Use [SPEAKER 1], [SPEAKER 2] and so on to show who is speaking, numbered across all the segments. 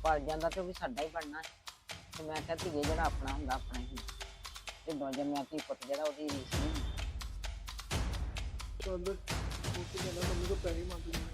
[SPEAKER 1] ਪਲ ਜਾਂਦਾ ਤੇ ਉਹ ਵੀ ਸਾਡਾ ਹੀ ਬਣਨਾ ਤੇ ਮੈਂ ਕਿਹਾ ਧੀਏ ਜਿਹੜਾ ਆਪਣਾ ਹੁੰਦਾ ਆਪਣਾ ਹੀ ਹੁੰਦਾ ਤੇ ਦੋ ਜੰਮਿਆ ਧੀ ਪੁੱਤ ਜਿਹੜਾ ਉਹਦੀ ਰੀਸ ਨਹੀਂ ਹੁੰਦੀ।
[SPEAKER 2] ਚੱਲ ਉੱਥੇ ਜਾਣਾ ਮੰਮੀ ਤੋਂ ਪੈਸੇ ਮੰਗ ਲੈਣੇ।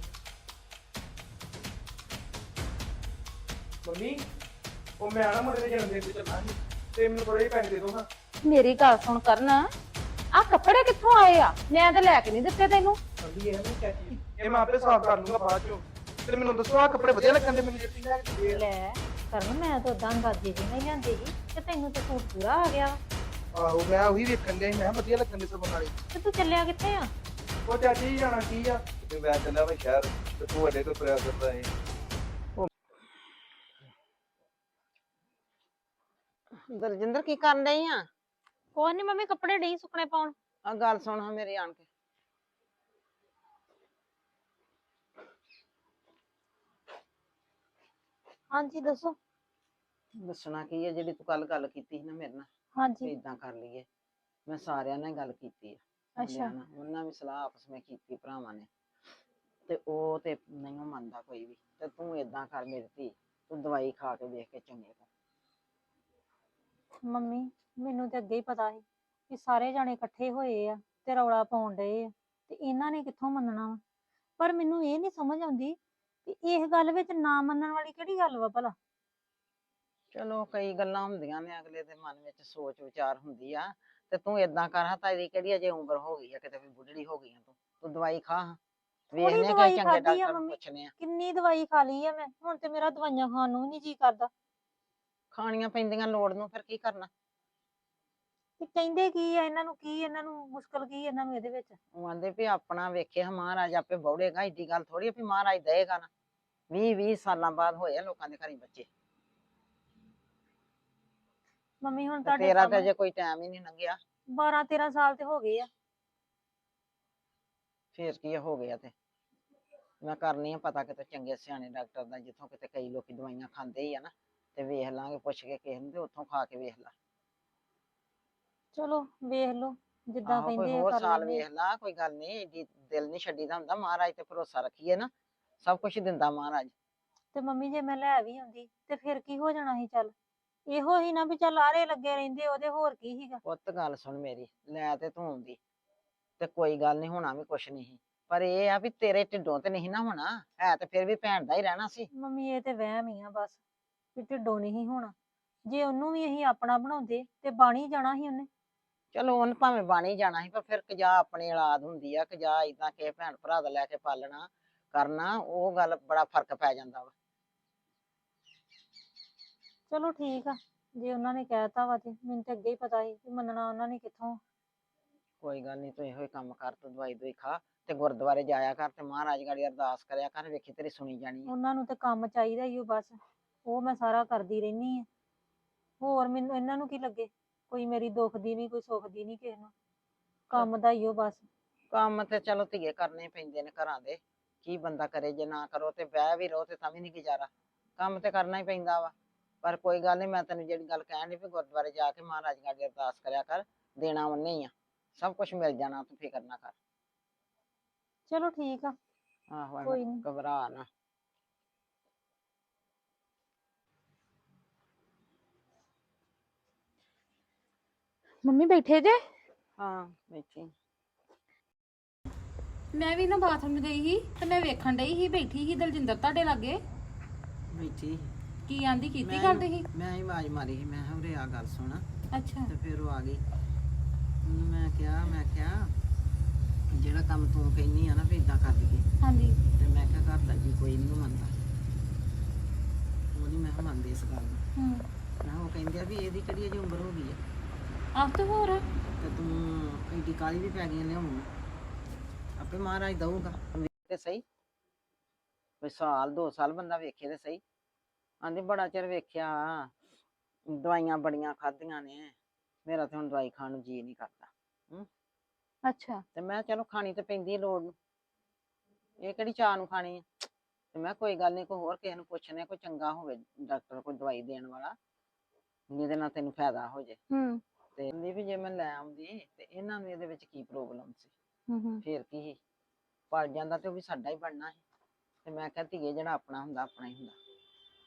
[SPEAKER 2] ਮੰਮੀ ਉਹ ਮੈਂ ਆਣਾ ਮੁੰਡੇ ਦੇ ਜਨਮ ਦਿਨ ਤੇ ਚੱਲਣਾ ਸੀ ਤੇ ਮੈਨੂੰ ਥੋੜੇ ਜਿਹੇ ਪੈਸੇ ਦੇ ਦੋ ਹਾਂ।
[SPEAKER 3] ਮੇਰੀ ਗੱਲ ਸੁਣ ਕਰਨ ਆ ਕੱਪੜੇ ਕਿੱਥੋਂ ਆਏ ਆ? ਮੈਂ ਤਾਂ ਲੈ ਕੇ ਨਹੀਂ ਦਿੱਤੇ ਤੈਨੂੰ।
[SPEAKER 2] ਕਹਿੰਦੀ ਇਹ ਨਹੀਂ ਚਾਚੀ ਇਹ ਮੈਂ ਆਪੇ ਸਾਫ਼ ਕਰ ਲੂੰਗਾ ਬਾਅਦ ਚੋਂ। ਤੇ ਮੈਨੂੰ ਦੱਸੋ ਆ ਕੱਪੜੇ ਵਧੀਆ ਲੱਗਣ ਦੇ ਮੈਨੂੰ ਜੱਟੀ ਲੈ ਕੇ ਦੇ।
[SPEAKER 3] ਲੈ ਕਰਨ ਮੈਂ ਤਾਂ ਉਦਾਂ ਅੰਦਾਜ਼ੇ ਜੀ ਨਹੀਂ ਲਿਆਂਦੇ ਸੀ ਤੇ ਤੈਨੂੰ ਤਾਂ ਸੂਟ ਪੂਰਾ ਆ ਗਿਆ।
[SPEAKER 2] ਆਹੋ ਮੈਂ ਉਹੀ ਵੇਖਣ ਗਿਆ ਸੀ ਮੈਂ ਕਿਹਾ ਵਧੀਆ ਲੱਗਣ ਦੇ ਸਭ ਨਾਲੇ।
[SPEAKER 3] ਤੇ ਤੂੰ ਚੱਲਿਆ ਕਿੱਥੇ ਆ?
[SPEAKER 2] ਉਹ ਚਾਚੀ ਜਾਣਾ ਕੀ ਆ?
[SPEAKER 4] ਤੇ ਮੈਂ ਚੱਲਿਆ ਵਾ ਸ਼ਹਿਰ ਤੇ ਤੂੰ ਅੱਡੇ ਤੋਂ ਤੁਰਿਆ ਫਿਰਦਾ ਏ।
[SPEAKER 1] ਦਲਜਿੰਦਰ ਕੀ ਕਰਨ ਡਈ ਆ?
[SPEAKER 3] ਕੋਈ ਨਹੀਂ ਮੰਮੀ ਕੱਪੜੇ ਨਹੀਂ ਸੁੱਕਣੇ ਪਾਉਣ।
[SPEAKER 1] ਆ ਗੱਲ ਸੁਣ ਹਾਂ ਮੇਰੀ ਆਣ ਕੇ।
[SPEAKER 3] ਹਾਂਜੀ ਦੱਸੋ।
[SPEAKER 1] ਦੱਸਣਾ ਕੀ ਹੈ ਜਿਹੜੀ ਤੂੰ ਕੱਲ ਗੱਲ ਕੀਤੀ ਸੀ ਨਾ ਮੇਰੇ ਨਾਲ
[SPEAKER 3] ਹਾਂਜੀ
[SPEAKER 1] ਇਦਾਂ ਕਰ ਲਈਏ। ਮੈਂ ਸਾਰਿਆਂ ਨਾਲ ਗੱਲ ਕੀਤੀ ਆ
[SPEAKER 3] ਅੱਛਾ
[SPEAKER 1] ਉਹਨਾਂ ਵੀ ਸਲਾਹ ਆਪਸ ਵਿੱਚ ਕੀਤੀ ਭਰਾਵਾਂ ਨੇ ਤੇ ਉਹ ਤੇ ਨਹੀਂ ਮੰਨਦਾ ਕੋਈ ਵੀ। ਤੇ ਤੂੰ ਏਦਾਂ ਕਰ ਮੇਰੀ ਧੀ ਤੂੰ ਦਵਾਈ ਖਾ ਕੇ ਵੇਖ ਕੇ ਚੰਗੇ ਤੋਂ।
[SPEAKER 3] ਮੰਮੀ ਮੈਨੂੰ ਤੇ ਅੱਗੇ ਹੀ ਪਤਾ ਸੀ ਕਿ ਸਾਰੇ ਜਾਣੇ ਇਕੱਠੇ ਹੋਏ ਆ ਤੇ ਰੌਲਾ ਪਾਉਣ ਡਏ ਆ ਤੇ ਇਹਨਾਂ ਨੇ ਕਿੱਥੋਂ ਮੰਨਣਾ ਵਾ। ਪਰ ਮੈਨੂੰ ਇਹ ਨਹੀਂ ਸਮਝ ਆਉਂਦੀ ਕਿ ਇਸ ਗੱਲ ਵਿੱਚ ਨਾ ਮੰਨਣ ਵਾਲੀ ਕਿਹੜੀ ਗੱਲ ਵਾ ਭਲਾ।
[SPEAKER 1] ਚਲੋ ਕਈ ਗੱਲਾਂ ਹੁੰਦੀਆਂ ਨੇ ਅਗਲੇ ਦੇ ਮਨ ਵਿੱਚ ਸੋਚ ਵਿਚਾਰ ਹੁੰਦੀ ਆ। ਤੇ ਤੂੰ ਏਦਾਂ ਕਰ ਹਾਂ ਤੇਰੀ ਕਿਹੜੀ ਅਜੇ ਉਮਰ ਹੋ ਗਈ ਆ ਕਿਤੇ ਵੀ ਬੁੱਢੜੀ ਹੋ ਗਈ ਆ ਤੂੰ ਦਵਾਈ ਖਾ ਹਾਂ। ਵੇਖਨੇ ਕੋਈ
[SPEAKER 3] ਦਵਾਈ
[SPEAKER 1] ਚੰਗੇ
[SPEAKER 3] ਖਾਧੀ ਆ
[SPEAKER 1] ਡਾਕਟਰ ਨੂੰ
[SPEAKER 3] ਮੰਮੀ।
[SPEAKER 1] ਪੁੱਛਨੇ ਆ।
[SPEAKER 3] ਕਿੰਨੀ ਦਵਾਈ ਖਾ ਲਈ ਆ ਮੈਂ ਹੁਣ ਤੇ ਮੇਰਾ ਦਵਾਈਆਂ ਖਾਣ ਨੂੰ ਵੀ ਨਹੀਂ ਜੀ ਕਰਦਾ।
[SPEAKER 1] ਖਾਣੀਆਂ ਪੈਂਦੀਆਂ ਲੋੜ ਨੂੰ ਫਿਰ ਕੀ ਕਰਨਾ।
[SPEAKER 3] ਤੇ ਕਹਿੰਦੇ ਕੀ ਆ ਇਹਨਾਂ ਨੂੰ ਕੀ ਇਹਨਾਂ ਨੂੰ ਮੁਸ਼ਕਲ ਕੀ ਇਹਨਾਂ ਨੂੰ ਇਹਦੇ ਵਿੱਚ।
[SPEAKER 1] ਉਹ ਆਂਦੇ ਵੀ ਆਪਣਾ ਵੇਖੇ ਮਹਾਰਾਜ ਆਪੇ ਬੌੜੇਗਾ ਏਡੀ ਗੱਲ ਥੋੜੀ ਵੀ ਮਹਾਰਾਜ ਦਏਗਾ ਨਾ। 20 ਸਾਲਾਂ ਬਾਅਦ ਹੋਏ ਆ ਲੋਕਾਂ ਦੇ ਘਰੀ ਬੱਚੇ।
[SPEAKER 3] ਮੰਮੀ ਹੁਣ
[SPEAKER 1] ਤੇ
[SPEAKER 3] ਤੁਹਾਡੇ
[SPEAKER 1] ਤੇਰਾ ਤੇ
[SPEAKER 3] ਸਾਹਮਣੇ
[SPEAKER 1] ਅਜੇ ਕੋਈ ਟਾਈਮ ਹੀ ਨਹੀਂ ਲੰਘਿਆ।
[SPEAKER 3] 12-13 ਸਾਲ ਤੇ ਹੋ ਗਏ ਆ।
[SPEAKER 1] ਫੇਰ ਕੀ ਹੋ ਗਿਆ ਤੇ ਮੈਂ ਕਰਨੀ ਆ ਪਤਾ ਕਿਤੇ ਚੰਗੇ ਸਿਆਣੇ ਡਾਕਟਰ ਦਾ ਜਿੱਥੋਂ ਕਿਤੇ ਕਈ ਲੋਕੀ ਦਵਾਈਆਂ ਖਾਂਦੇ ਹੀ ਆ ਨਾ ਤੇ ਵੇਖ ਲਾਂਗੇ ਪੁੱਛ ਕੇ ਕਿਸੇ ਨੂੰ ਤੇ ਉੱਥੋਂ ਖਾ ਕੇ ਵੇਖ ਲਾ।
[SPEAKER 3] ਚਲੋ ਵੇਖ ਲਓ ਜਿੱਦਾਂ
[SPEAKER 1] ਆਹੋ ਕੋਈ
[SPEAKER 3] ਕਹਿੰਦੇ ਆ
[SPEAKER 1] ਹੋਰ
[SPEAKER 3] ਕਰ
[SPEAKER 1] ਸਾਲ
[SPEAKER 3] ਲੈਂਦੇ
[SPEAKER 1] ਵੇਖ ਲਾ ਕੋਈ ਗੱਲ ਨਹੀਂ ਏਡੀ ਦਿਲ ਨਹੀਂ ਛੱਡੀਦਾ ਹੁੰਦਾ। ਮਹਾਰਾਜ ਤੇ ਭਰੋਸਾ ਰੱਖੀਏ ਨਾ ਸਭ ਕੁਝ ਦਿੰਦਾ ਮਹਾਰਾਜ।
[SPEAKER 3] ਤੇ ਮੰਮੀ ਜੇ ਮੈਂ ਲੈ ਵੀ ਆਉਂਦੀ ਤੇ ਫਿਰ ਕੀ ਹੋ ਜਾਣਾ ਸੀ? ਚੱਲ ਇਹੋ ਹੀ ਨਾ ਵੀ ਚੱਲ ਆਰੇ ਲੱਗੇ ਰਹਿੰਦੇ ਉਹਦੇ ਹੋਰ ਕੀ ਸੀਗਾ।
[SPEAKER 1] ਪੁੱਤ ਗੱਲ ਸੁਣ ਮੇਰੀ ਲੈ ਤੇ ਤੂੰ ਆਉਂਦੀ ਤੇ ਕੋਈ ਗੱਲ ਨਹੀਂ ਹੋਣਾ ਵੀ ਕੁਛ ਨਹੀਂ ਪਰ ਇਹ ਆ ਵੀ ਤੇਰੇ ਢਿੱਡੋਂ ਤੇ ਨਹੀਂ ਨਾ ਹੋਣਾ ਹੈ ਤੇ ਫਿਰ ਵੀ ਭੈਣ ਦਾ ਹੀ ਰਹਿਣਾ ਸੀ।
[SPEAKER 3] ਮੰਮੀ ਇਹ ਤੇ ਵਹਿਮ ਹੀ ਆ ਬਸ ਵੀ ਢਿੱਡੋਂ ਨਹੀਂ ਹੋਣਾ। ਜੇ ਉਹਨੂੰ ਵੀ ਅਸੀਂ ਆਪਣਾ ਬਣਾਉਂਦੇ ਤੇ ਬਣ ਹੀ ਜਾਣਾ ਸੀ ਉਹਨੇ।
[SPEAKER 1] ਚਲੋ ਉਹਨ ਭਾਵੇਂ ਬਣ ਹੀ ਜਾਣਾ ਸੀ ਪਰ ਫਿਰ ਕਜਾ ਆਪਣੀ ਔਲਾਦ ਹੁੰਦੀ ਆ ਕਜਾ ਏਦਾਂ ਕਿਸੇ ਭੈਣ ਭਰਾ ਦਾ ਲੈ ਕੇ ਪਾਲਣਾ ਕਰਨਾ ਉਹ ਗੱਲ ਬੜਾ ਫਰਕ ਪੈ ਜਾਂਦਾ ਵਾ।
[SPEAKER 3] ਚਲੋ ਠੀਕ ਆ ਜੇ ਉਹਨਾਂ ਨੇ ਕਹਿਤਾ ਵਾ ਤੇ ਮੈਨੂੰ ਤੇ ਅੱਗੇ ਹੀ ਪਤਾ ਸੀ ਕਿ ਮੰਨਣਾ ਉਹਨਾਂ ਨੇ ਕਿੱਥੋਂ।
[SPEAKER 1] ਕੋਈ ਗੱਲ ਨਹੀਂ ਤੂੰ ਇਹੋ ਹੀ ਕੰਮ ਕਰ ਤੂੰ ਦਵਾਈ ਦੋਈ ਖਾ ਤੇ ਗੁਰਦੁਆਰੇ ਜਾਇਆ ਕਰ ਤੇ ਮਹਾਰਾਜ ਗਾੜੀ ਅਰਦਾਸ ਕਰਿਆ ਕਰ ਵੇਖੀ ਤੇਰੀ ਸੁਣੀ ਜਾਣੀ ਆ।
[SPEAKER 3] ਉਹਨਾਂ ਨੂੰ ਤੇ ਕੰਮ ਚਾਹੀਦਾ ਹੀ ਉਹ ਬਸ ਉਹ ਮੈਂ ਸਾਰਾ ਕਰਦੀ ਰਹਿਨੀ ਆ। ਹੋਰ ਮੈਨੂੰ ਇਹਨਾਂ ਨੂੰ ਕੀ ਲੱਗੇ ਕੋਈ ਮੇਰੀ ਦੁੱਖ ਦੀ ਨਹੀਂ ਕੋਈ ਸੁੱਖ ਦੀ ਨਹੀਂ ਕਿਸੇ ਨੂੰ। ਕੰਮ ਦਾ ਹੀ ਉਹ ਬਸ।
[SPEAKER 1] ਕੰਮ ਤੇ ਚਲੋ ਧੀਏ ਕਰਨੇ ਪੈਂਦੇ ਨੇ ਘਰਾਂ ਦੇ ਕੀ ਬੰਦਾ ਕਰੇ ਜੇ ਨਾ ਕਰੋ ਤੇ ਬਹਿ ਵੀ ਰਹੋ ਤੇ ਤਾਂ ਵੀ ਨਹੀਂ ਗੁਜ਼ਾਰਾ। ਕੰਮ ਤੇ ਕਰਨਾ ਹੀ ਪੈਂਦਾ ਵਾ ਪਰ ਕੋਈ ਗੱਲ ਨਹੀਂ ਮੈਂ ਤੈਨੂੰ ਜਿਹੜੀ ਗੱਲ ਕਹਿਣ ਡਈ ਵੀ ਗੁਰਦੁਆਰੇ ਜਾ ਕੇ ਮਹਾਰਾਜ ਗਾੜੀ ਅਰਦਾਸ ਕਰਿਆ ਕਰ ਦੇਣਾ ਉਹਨੇ ਹੀ ਆ ਸਭ ਕੁਝ ਮਿਲ ਜਾਣਾ ਤੂੰ ਫਿਕਰ ਨਾ ਕਰ।
[SPEAKER 3] ਚਲੋ ਠੀਕ ਆ
[SPEAKER 1] ਆਹੋ ਐਵੇਂ
[SPEAKER 3] ਕੋਈ ਨੀ।
[SPEAKER 1] ਘਬਰਾ ਨਾ।
[SPEAKER 3] ਮੰਮੀ ਬੈਠੇ ਜੇ?
[SPEAKER 1] ਹਾਂ ਬੈਠੀ
[SPEAKER 5] ਮੈਂ ਵੀ ਨਾ ਬਾਥਰੂਮ ਗਈ ਸੀ ਤੇ ਮੈਂ ਵੇਖਣ ਡਈ ਸੀ ਬੈਠੀ ਸੀ ਦਲਜਿੰਦਰ ਤੁਹਾਡੇ ਲਾਗੇ।
[SPEAKER 1] ਬੈਠੀ
[SPEAKER 5] ਕੀ ਆਂਦੀ ਕੀਤੀ ਕਰਦੇ ਸੀ?
[SPEAKER 1] ਮੈਂ ਹੀ ਆਵਾਜ਼ ਮਾਰੀ ਸੀ ਮੈਂ ਕਿਹਾ ਉਰੇ ਆ ਗੱਲ ਸੁਣ
[SPEAKER 5] ਅੱਛਾ
[SPEAKER 1] ਤੇ ਫਿਰ ਉਹ ਆ ਗਈ। ਉਹਨੂੰ ਮੈਂ ਕਿਹਾ ਜਿਹੜਾ ਕੰਮ ਤੂੰ ਕਹਿੰਦੀ ਆ ਨਾ ਵੀ ਇਦਾਂ ਕਰ ਲਈਏ
[SPEAKER 5] ਹਾਂਜੀ
[SPEAKER 1] ਤੇ ਮੈਂ ਕਿਹਾ ਘਰ ਦਾ ਜੀ ਕੋਈ ਨਹੀਂ ਮੰਨਦਾ। ਉਹ ਨਹੀਂ ਮੈਂ ਕਿਹਾ ਮੰਨਦੀ ਇਸ ਗੱਲ ਨੂੰ।
[SPEAKER 5] ਹੂੰ
[SPEAKER 1] ਮੈਂ ਉਹ ਕਹਿੰਦੇ ਆ ਵੀ ਇਹਦੀ ਕਿਹੜੀ ਅਜੇ ਉਮਰ ਹੋ ਗਈ ਆ
[SPEAKER 5] ਆਹ ਤੇ ਹੋਰ
[SPEAKER 1] ਤੇ ਤੂੰ ਐਡੀ ਕਾਲੀ ਵੀ ਪੈ ਗਈ ਲਿਆਉਣ ਨੂੰ ਆਪੇ ਮਹਾਰਾਜ ਦਊਗਾ ਤੇ ਸਹੀ ਕੋਈ ਸਾਲ 2 ਸਾਲ ਬੰਦਾ ਵੇਖੇ ਤੇ ਸਹੀ। ਆਂਦੀ ਬੜਾ ਚਿਰ ਵੇਖਿਆ ਦਵਾਈਆਂ ਬੜੀਆਂ ਖਾਧੀਆਂ ਨੇ ਮੇਰਾ ਤੇ ਹੁਣ ਦਵਾਈ ਖਾਣ ਨੂੰ ਜੀ ਨਹੀਂ ਕਰਦਾ।
[SPEAKER 3] ਅੱਛਾ
[SPEAKER 1] ਤੇ ਮੈਂ ਚਲੋ ਖਾਣੀ ਤੇ ਪੈਂਦੀ ਲੋੜ ਨੂੰ ਇਹ ਕਿਹੜੀ ਚਾਹ ਨੂੰ ਖਾਣੀ ਆ ਤੇ ਮੈਂ ਕੋਈ ਗੱਲ ਨਹੀਂ ਕੋਈ ਹੋਰ ਕਿਸੇ ਨੂੰ ਪੁੱਛਣੇ ਕੋਈ ਚੰਗਾ ਹੋਵੇ ਡਾਕਟਰ ਕੋਈ ਦਵਾਈ ਦੇਣ ਵਾਲਾ ਜਿਹਦੇ ਨਾਲ ਤੈਨੂੰ ਫਾਇਦਾ ਹੋ ਜੇ।
[SPEAKER 3] ਹੂੰ
[SPEAKER 1] ਤੇ ਕਹਿੰਦੀ ਵੀ ਜੇ ਮੈਂ ਲੈ ਆਉਂਦੀ ਤੇ ਇਹਨਾਂ ਨੂੰ ਇਹਦੇ ਵਿੱਚ ਕੀ ਪ੍ਰੋਬਲਮ ਸੀ
[SPEAKER 3] ਹੂੰ
[SPEAKER 1] ਫੇਰ ਕੀ ਸੀ ਪਲ ਜਾਂਦਾ ਤੇ ਉਹ ਵੀ ਸਾਡਾ ਹੀ ਬਣਨਾ ਸੀ ਤੇ ਮੈਂ ਕਿਹਾ ਧੀਏ ਜਿਹੜਾ ਆਪਣਾ ਹੁੰਦਾ ਆਪਣਾ ਹੀ ਹੁੰਦਾ।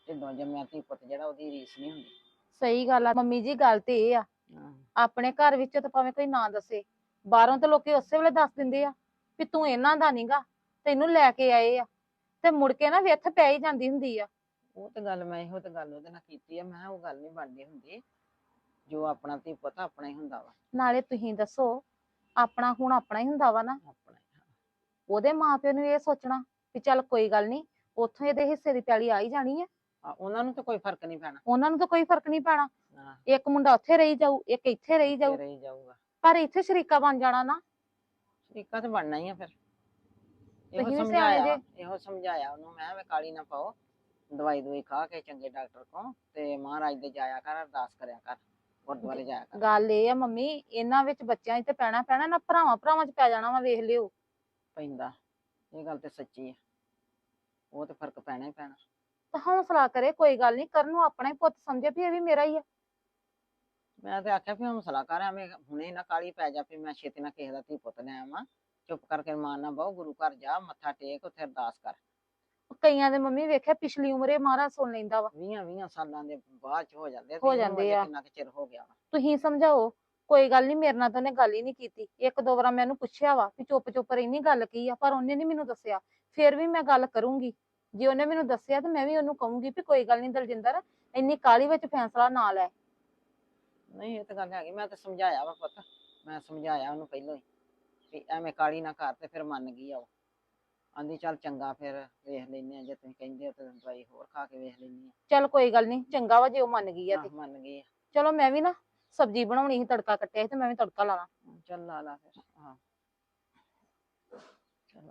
[SPEAKER 1] ਢਿੱਡੋਂ ਜੰਮਿਆ ਧੀ ਪੁੱਤ ਜਿਹੜਾ ਉਹਦੀ ਰੀਸ ਨਹੀਂ ਹੁੰਦੀ।
[SPEAKER 6] ਸਹੀ ਗੱਲ ਆ ਮੰਮੀ ਜੀ, ਗੱਲ ਤੇ ਇਹ ਆ
[SPEAKER 1] ਹਾਂ,
[SPEAKER 6] ਆਪਣੇ ਘਰ ਵਿੱਚ ਤਾਂ ਭਾਵੇਂ ਕੋਈ ਨਾ ਦੱਸੇ, ਬਾਹਰੋਂ ਤਾਂ ਲੋਕੀ ਉਸੇ ਵੇਲੇ ਦੱਸ ਦਿੰਦੇ ਆ ਵੀ ਤੂੰ ਇਹਨਾਂ ਦਾ ਨੀਗਾ, ਤੈਨੂੰ ਲੈ ਕੇ ਆਏ ਆ, ਤੇ ਮੁੜ ਕੇ ਨਾ ਵਿੱਥ ਪੈ ਹੀ ਜਾਂਦੀ ਹੁੰਦੀ ਆ।
[SPEAKER 1] ਉਹ ਤੇ ਗੱਲ ਮੈਂ ਇਹੋ ਤੇ ਗੱਲ ਉਹਦੇ ਨਾਲ ਕੀਤੀ ਆ। ਮੈਂ ਕਿਹਾ ਉਹ ਗੱਲ ਨਹੀਂ ਬਣਦੀ ਹੁੰਦੀ, ਜੋ ਆਪਣਾ ਧੀ ਪੁੱਤ ਆਪਣਾ ਹੀ ਹੁੰਦਾ ਵਾ।
[SPEAKER 6] ਨਾਲੇ ਤੁਸੀਂ ਦੱਸੋ, ਆਪਣਾ ਹੁਣ ਆਪਣਾ ਹੀ ਹੁੰਦਾ ਵਾ ਨਾ,
[SPEAKER 1] ਆਪਣਾ ਹੀ।
[SPEAKER 6] ਉਹਦੇ ਮਾਪਿਆਂ ਨੂੰ ਇਹ ਸੋਚਣਾ ਵੀ ਚੱਲ ਕੋਈ ਗੱਲ ਨਹੀਂ, ਉੱਥੋਂ ਇਹਦੇ ਹਿੱਸੇ ਦੀ ਪੈਲੀ ਆ ਹੀ ਜਾਣੀ ਆ,
[SPEAKER 1] ਉਹਨਾਂ ਨੂੰ ਤਾਂ ਕੋਈ ਫਰਕ ਨਹੀਂ ਪੈਣਾ।
[SPEAKER 6] ਉਹਨਾਂ ਨੂੰ ਤਾਂ ਕੋਈ ਫਰਕ ਨਹੀਂ ਪੈਣਾ।
[SPEAKER 1] ਹਾਂ,
[SPEAKER 6] ਇੱਕ ਮੁੰਡਾ ਉੱਥੇ ਰਹੀ ਜਾਊ, ਇੱਕ ਇੱਥੇ ਰਹੀ ਜਾਊ,
[SPEAKER 1] ਤੇਰੇ ਹੀ ਜਾਊਗਾ।
[SPEAKER 6] ਪਰ ਇੱਥੇ ਸ਼ਰੀਕਾ ਬਣ ਜਾਣਾ ਨਾ।
[SPEAKER 1] ਸ਼ਰੀਕਾ ਤੇ ਬਣਨਾ ਹੀ ਆ ਫਿਰ। ਇਹੋ
[SPEAKER 6] ਤੁਸੀਂ ਵੀ ਸਿਆਣੇ
[SPEAKER 1] ਸਮਝਾਇਆ,
[SPEAKER 6] ਜੇ।
[SPEAKER 1] ਇਹੋ ਸਮਝਾਇਆ ਉਹਨੂੰ ਮੈਂ ਵੀ ਕਾਲੀ ਨਾ ਪਾਓ, ਦਵਾਈ ਦਵਾਈ ਖਾ ਕੇ ਚੰਗੇ ਡਾਕਟਰ ਕੋਲ ਤੇ ਮਹਾਰਾਜ ਦੇ ਜਾਇਆ ਕਰ, ਅਰਦਾਸ ਕਰਿਆ ਕਰ, ਗੁਰਦੁਆਰੇ ਜਾਇਆ ਕਰ।
[SPEAKER 6] ਗੱਲ ਇਹ ਆ ਮੰਮੀ, ਇਹਨਾਂ ਵਿੱਚ ਬੱਚਿਆਂ 'ਚ ਤੇ ਪੈਣਾ ਪੈਣਾ ਨਾ, ਭਰਾਵਾਂ 'ਚ ਪੈ ਜਾਣਾ ਵਾ, ਵੇਖ ਲਿਓ।
[SPEAKER 1] ਪੈਂਦਾ, ਇਹ ਗੱਲ ਤੇ ਸੱਚੀ ਆ, ਉਹ ਤੇ ਫਰਕ ਪੈਣਾ ਹੀ ਪੈਣਾ।
[SPEAKER 6] ਤਾਂ ਹੌਸਲਾ ਕਰੇ, ਕੋਈ ਗੱਲ ਨਹੀਂ, ਕਰਨ ਨੂੰ ਆਪਣਾ ਹੀ ਪੁੱਤ ਸਮਝੇ ਵੀ ਇਹ ਵੀ ਮੇਰਾ ਹੀ ਆ।
[SPEAKER 1] ਮੈਂ ਤੇ ਆਖਿਆ ਵੀ ਹੌਸਲਾ ਕਰ, ਐਵੇਂ ਹੁਣੇ ਨਾ ਕਾਲੀ ਪੈ ਜਾ ਵੀ ਮੈਂ ਛੇਤੀ ਨਾਲ ਕਿਸੇ ਦਾ ਧੀ ਪੁੱਤ ਲੈ ਆਵਾਂ। ਚੁੱਪ ਕਰਕੇ ਮਾਂ ਨਾ ਬਹੁ, ਗੁਰੂ ਘਰ ਜਾ, ਮੱਥਾ ਟੇਕ, ਉੱਥੇ ਅਰਦਾਸ ਕਰ।
[SPEAKER 6] ਕਈਆਂ ਦੇ ਮੰਮੀ ਵੇਖਿਆ ਪਿਛਲੀ ਉਮਰੇ ਮਹਾਰਾਜ ਸੁਣ ਲੈਂਦਾ ਵਾ।
[SPEAKER 1] 20 ਸਾਲਾਂ ਦੇ ਬਾਅਦ ਚ ਹੋ ਜਾਂਦੇ ਆ, ਤੇ
[SPEAKER 6] ਹੋ
[SPEAKER 1] ਇਹਨੂੰ
[SPEAKER 6] ਜਾਂਦੇ
[SPEAKER 1] ਅਜੇ
[SPEAKER 6] ਆ।
[SPEAKER 1] ਕਿੰਨਾ ਕੁ ਚਿਰ ਹੋ ਗਿਆ ਵਾ।
[SPEAKER 6] ਤੁਸੀਂ ਸਮਝਾਓ, ਕੋਈ ਗੱਲ ਨਹੀਂ, ਮੇਰੇ ਨਾਲ ਤਾਂ ਉਹਨੇ ਗੱਲ ਹੀ ਨਹੀਂ ਕੀਤੀ। ਇੱਕ ਦੋ ਵਾਰ ਮੈਂ ਉਹਨੂੰ ਪੁੱਛਿਆ ਵਾ ਵੀ ਚੁੱਪ ਰਹਿਨੀ, ਗੱਲ ਕੀ ਆ, ਪਰ ਉਹਨੇ ਨਹੀਂ ਮੈਨੂੰ ਦੱਸਿਆ। ਫਿਰ ਵੀ ਮੈਂ ਗੱਲ ਕਰੂੰਗੀ, ਜੇ ਉਹਨੇ ਮੈਨੂੰ ਦੱਸਿਆ ਤਾਂ ਮੈਂ ਵੀ ਉਹਨੂੰ ਕਹੂੰਗੀ ਵੀ ਕੋਈ ਗੱਲ ਨਹੀਂ ਦਲਜਿੰਦਰ, ਇੰਨੀ ਕਾਹਲੀ ਵਿੱਚ ਫੈਸਲਾ ਨਾ ਲੈ।
[SPEAKER 1] ਨਹੀਂ ਇਹ ਤਾਂ ਗੱਲ ਹੈਗੀ, ਮੈਂ ਤਾਂ ਸਮਝਾਇਆ ਵਾ ਪੁੱਤ, ਮੈਂ ਸਮਝਾਇਆ ਉਹਨੂੰ ਪਹਿਲਾਂ ਹੀ ਵੀ ਐਵੇਂ ਕਾਲੀ ਨਾ ਕਰ, ਤੇ ਫਿਰ ਮੰਨ ਗਈ ਆ ਉਹ। ਆਂਦੀ ਚੱਲ ਚੰਗਾ, ਫਿਰ ਵੇਖ ਲੈਨੇ ਆ, ਜੇ ਤੁਸੀਂ ਕਹਿੰਦੇ ਹੋ ਤਾਂ ਦਵਾਈ ਹੋਰ ਖਾ ਕੇ ਵੇਖ ਲੈਨੀ ਆ।
[SPEAKER 6] ਚੱਲ ਕੋਈ ਗੱਲ ਨਹੀਂ, ਚੰਗਾ ਵਾ ਜੇ ਉਹ ਮੰਨ ਗਈ ਆ ਤੇ।
[SPEAKER 1] ਮੰਨ ਗਈ ਆ।
[SPEAKER 6] ਚਲੋ ਮੈਂ ਵੀ ਨਾ ਸਬਜ਼ੀ ਬਣਾਉਣੀ ਸੀ, ਤੜਕਾ ਕੱਟਿਆ ਸੀ ਤੇ ਮੈਂ ਵੀ ਤੜਕਾ ਲਾਣਾ।
[SPEAKER 1] ਚੱਲ ਲਾ ਲਾ ਫਿਰ। ਹਾਂ ਚਲੋ।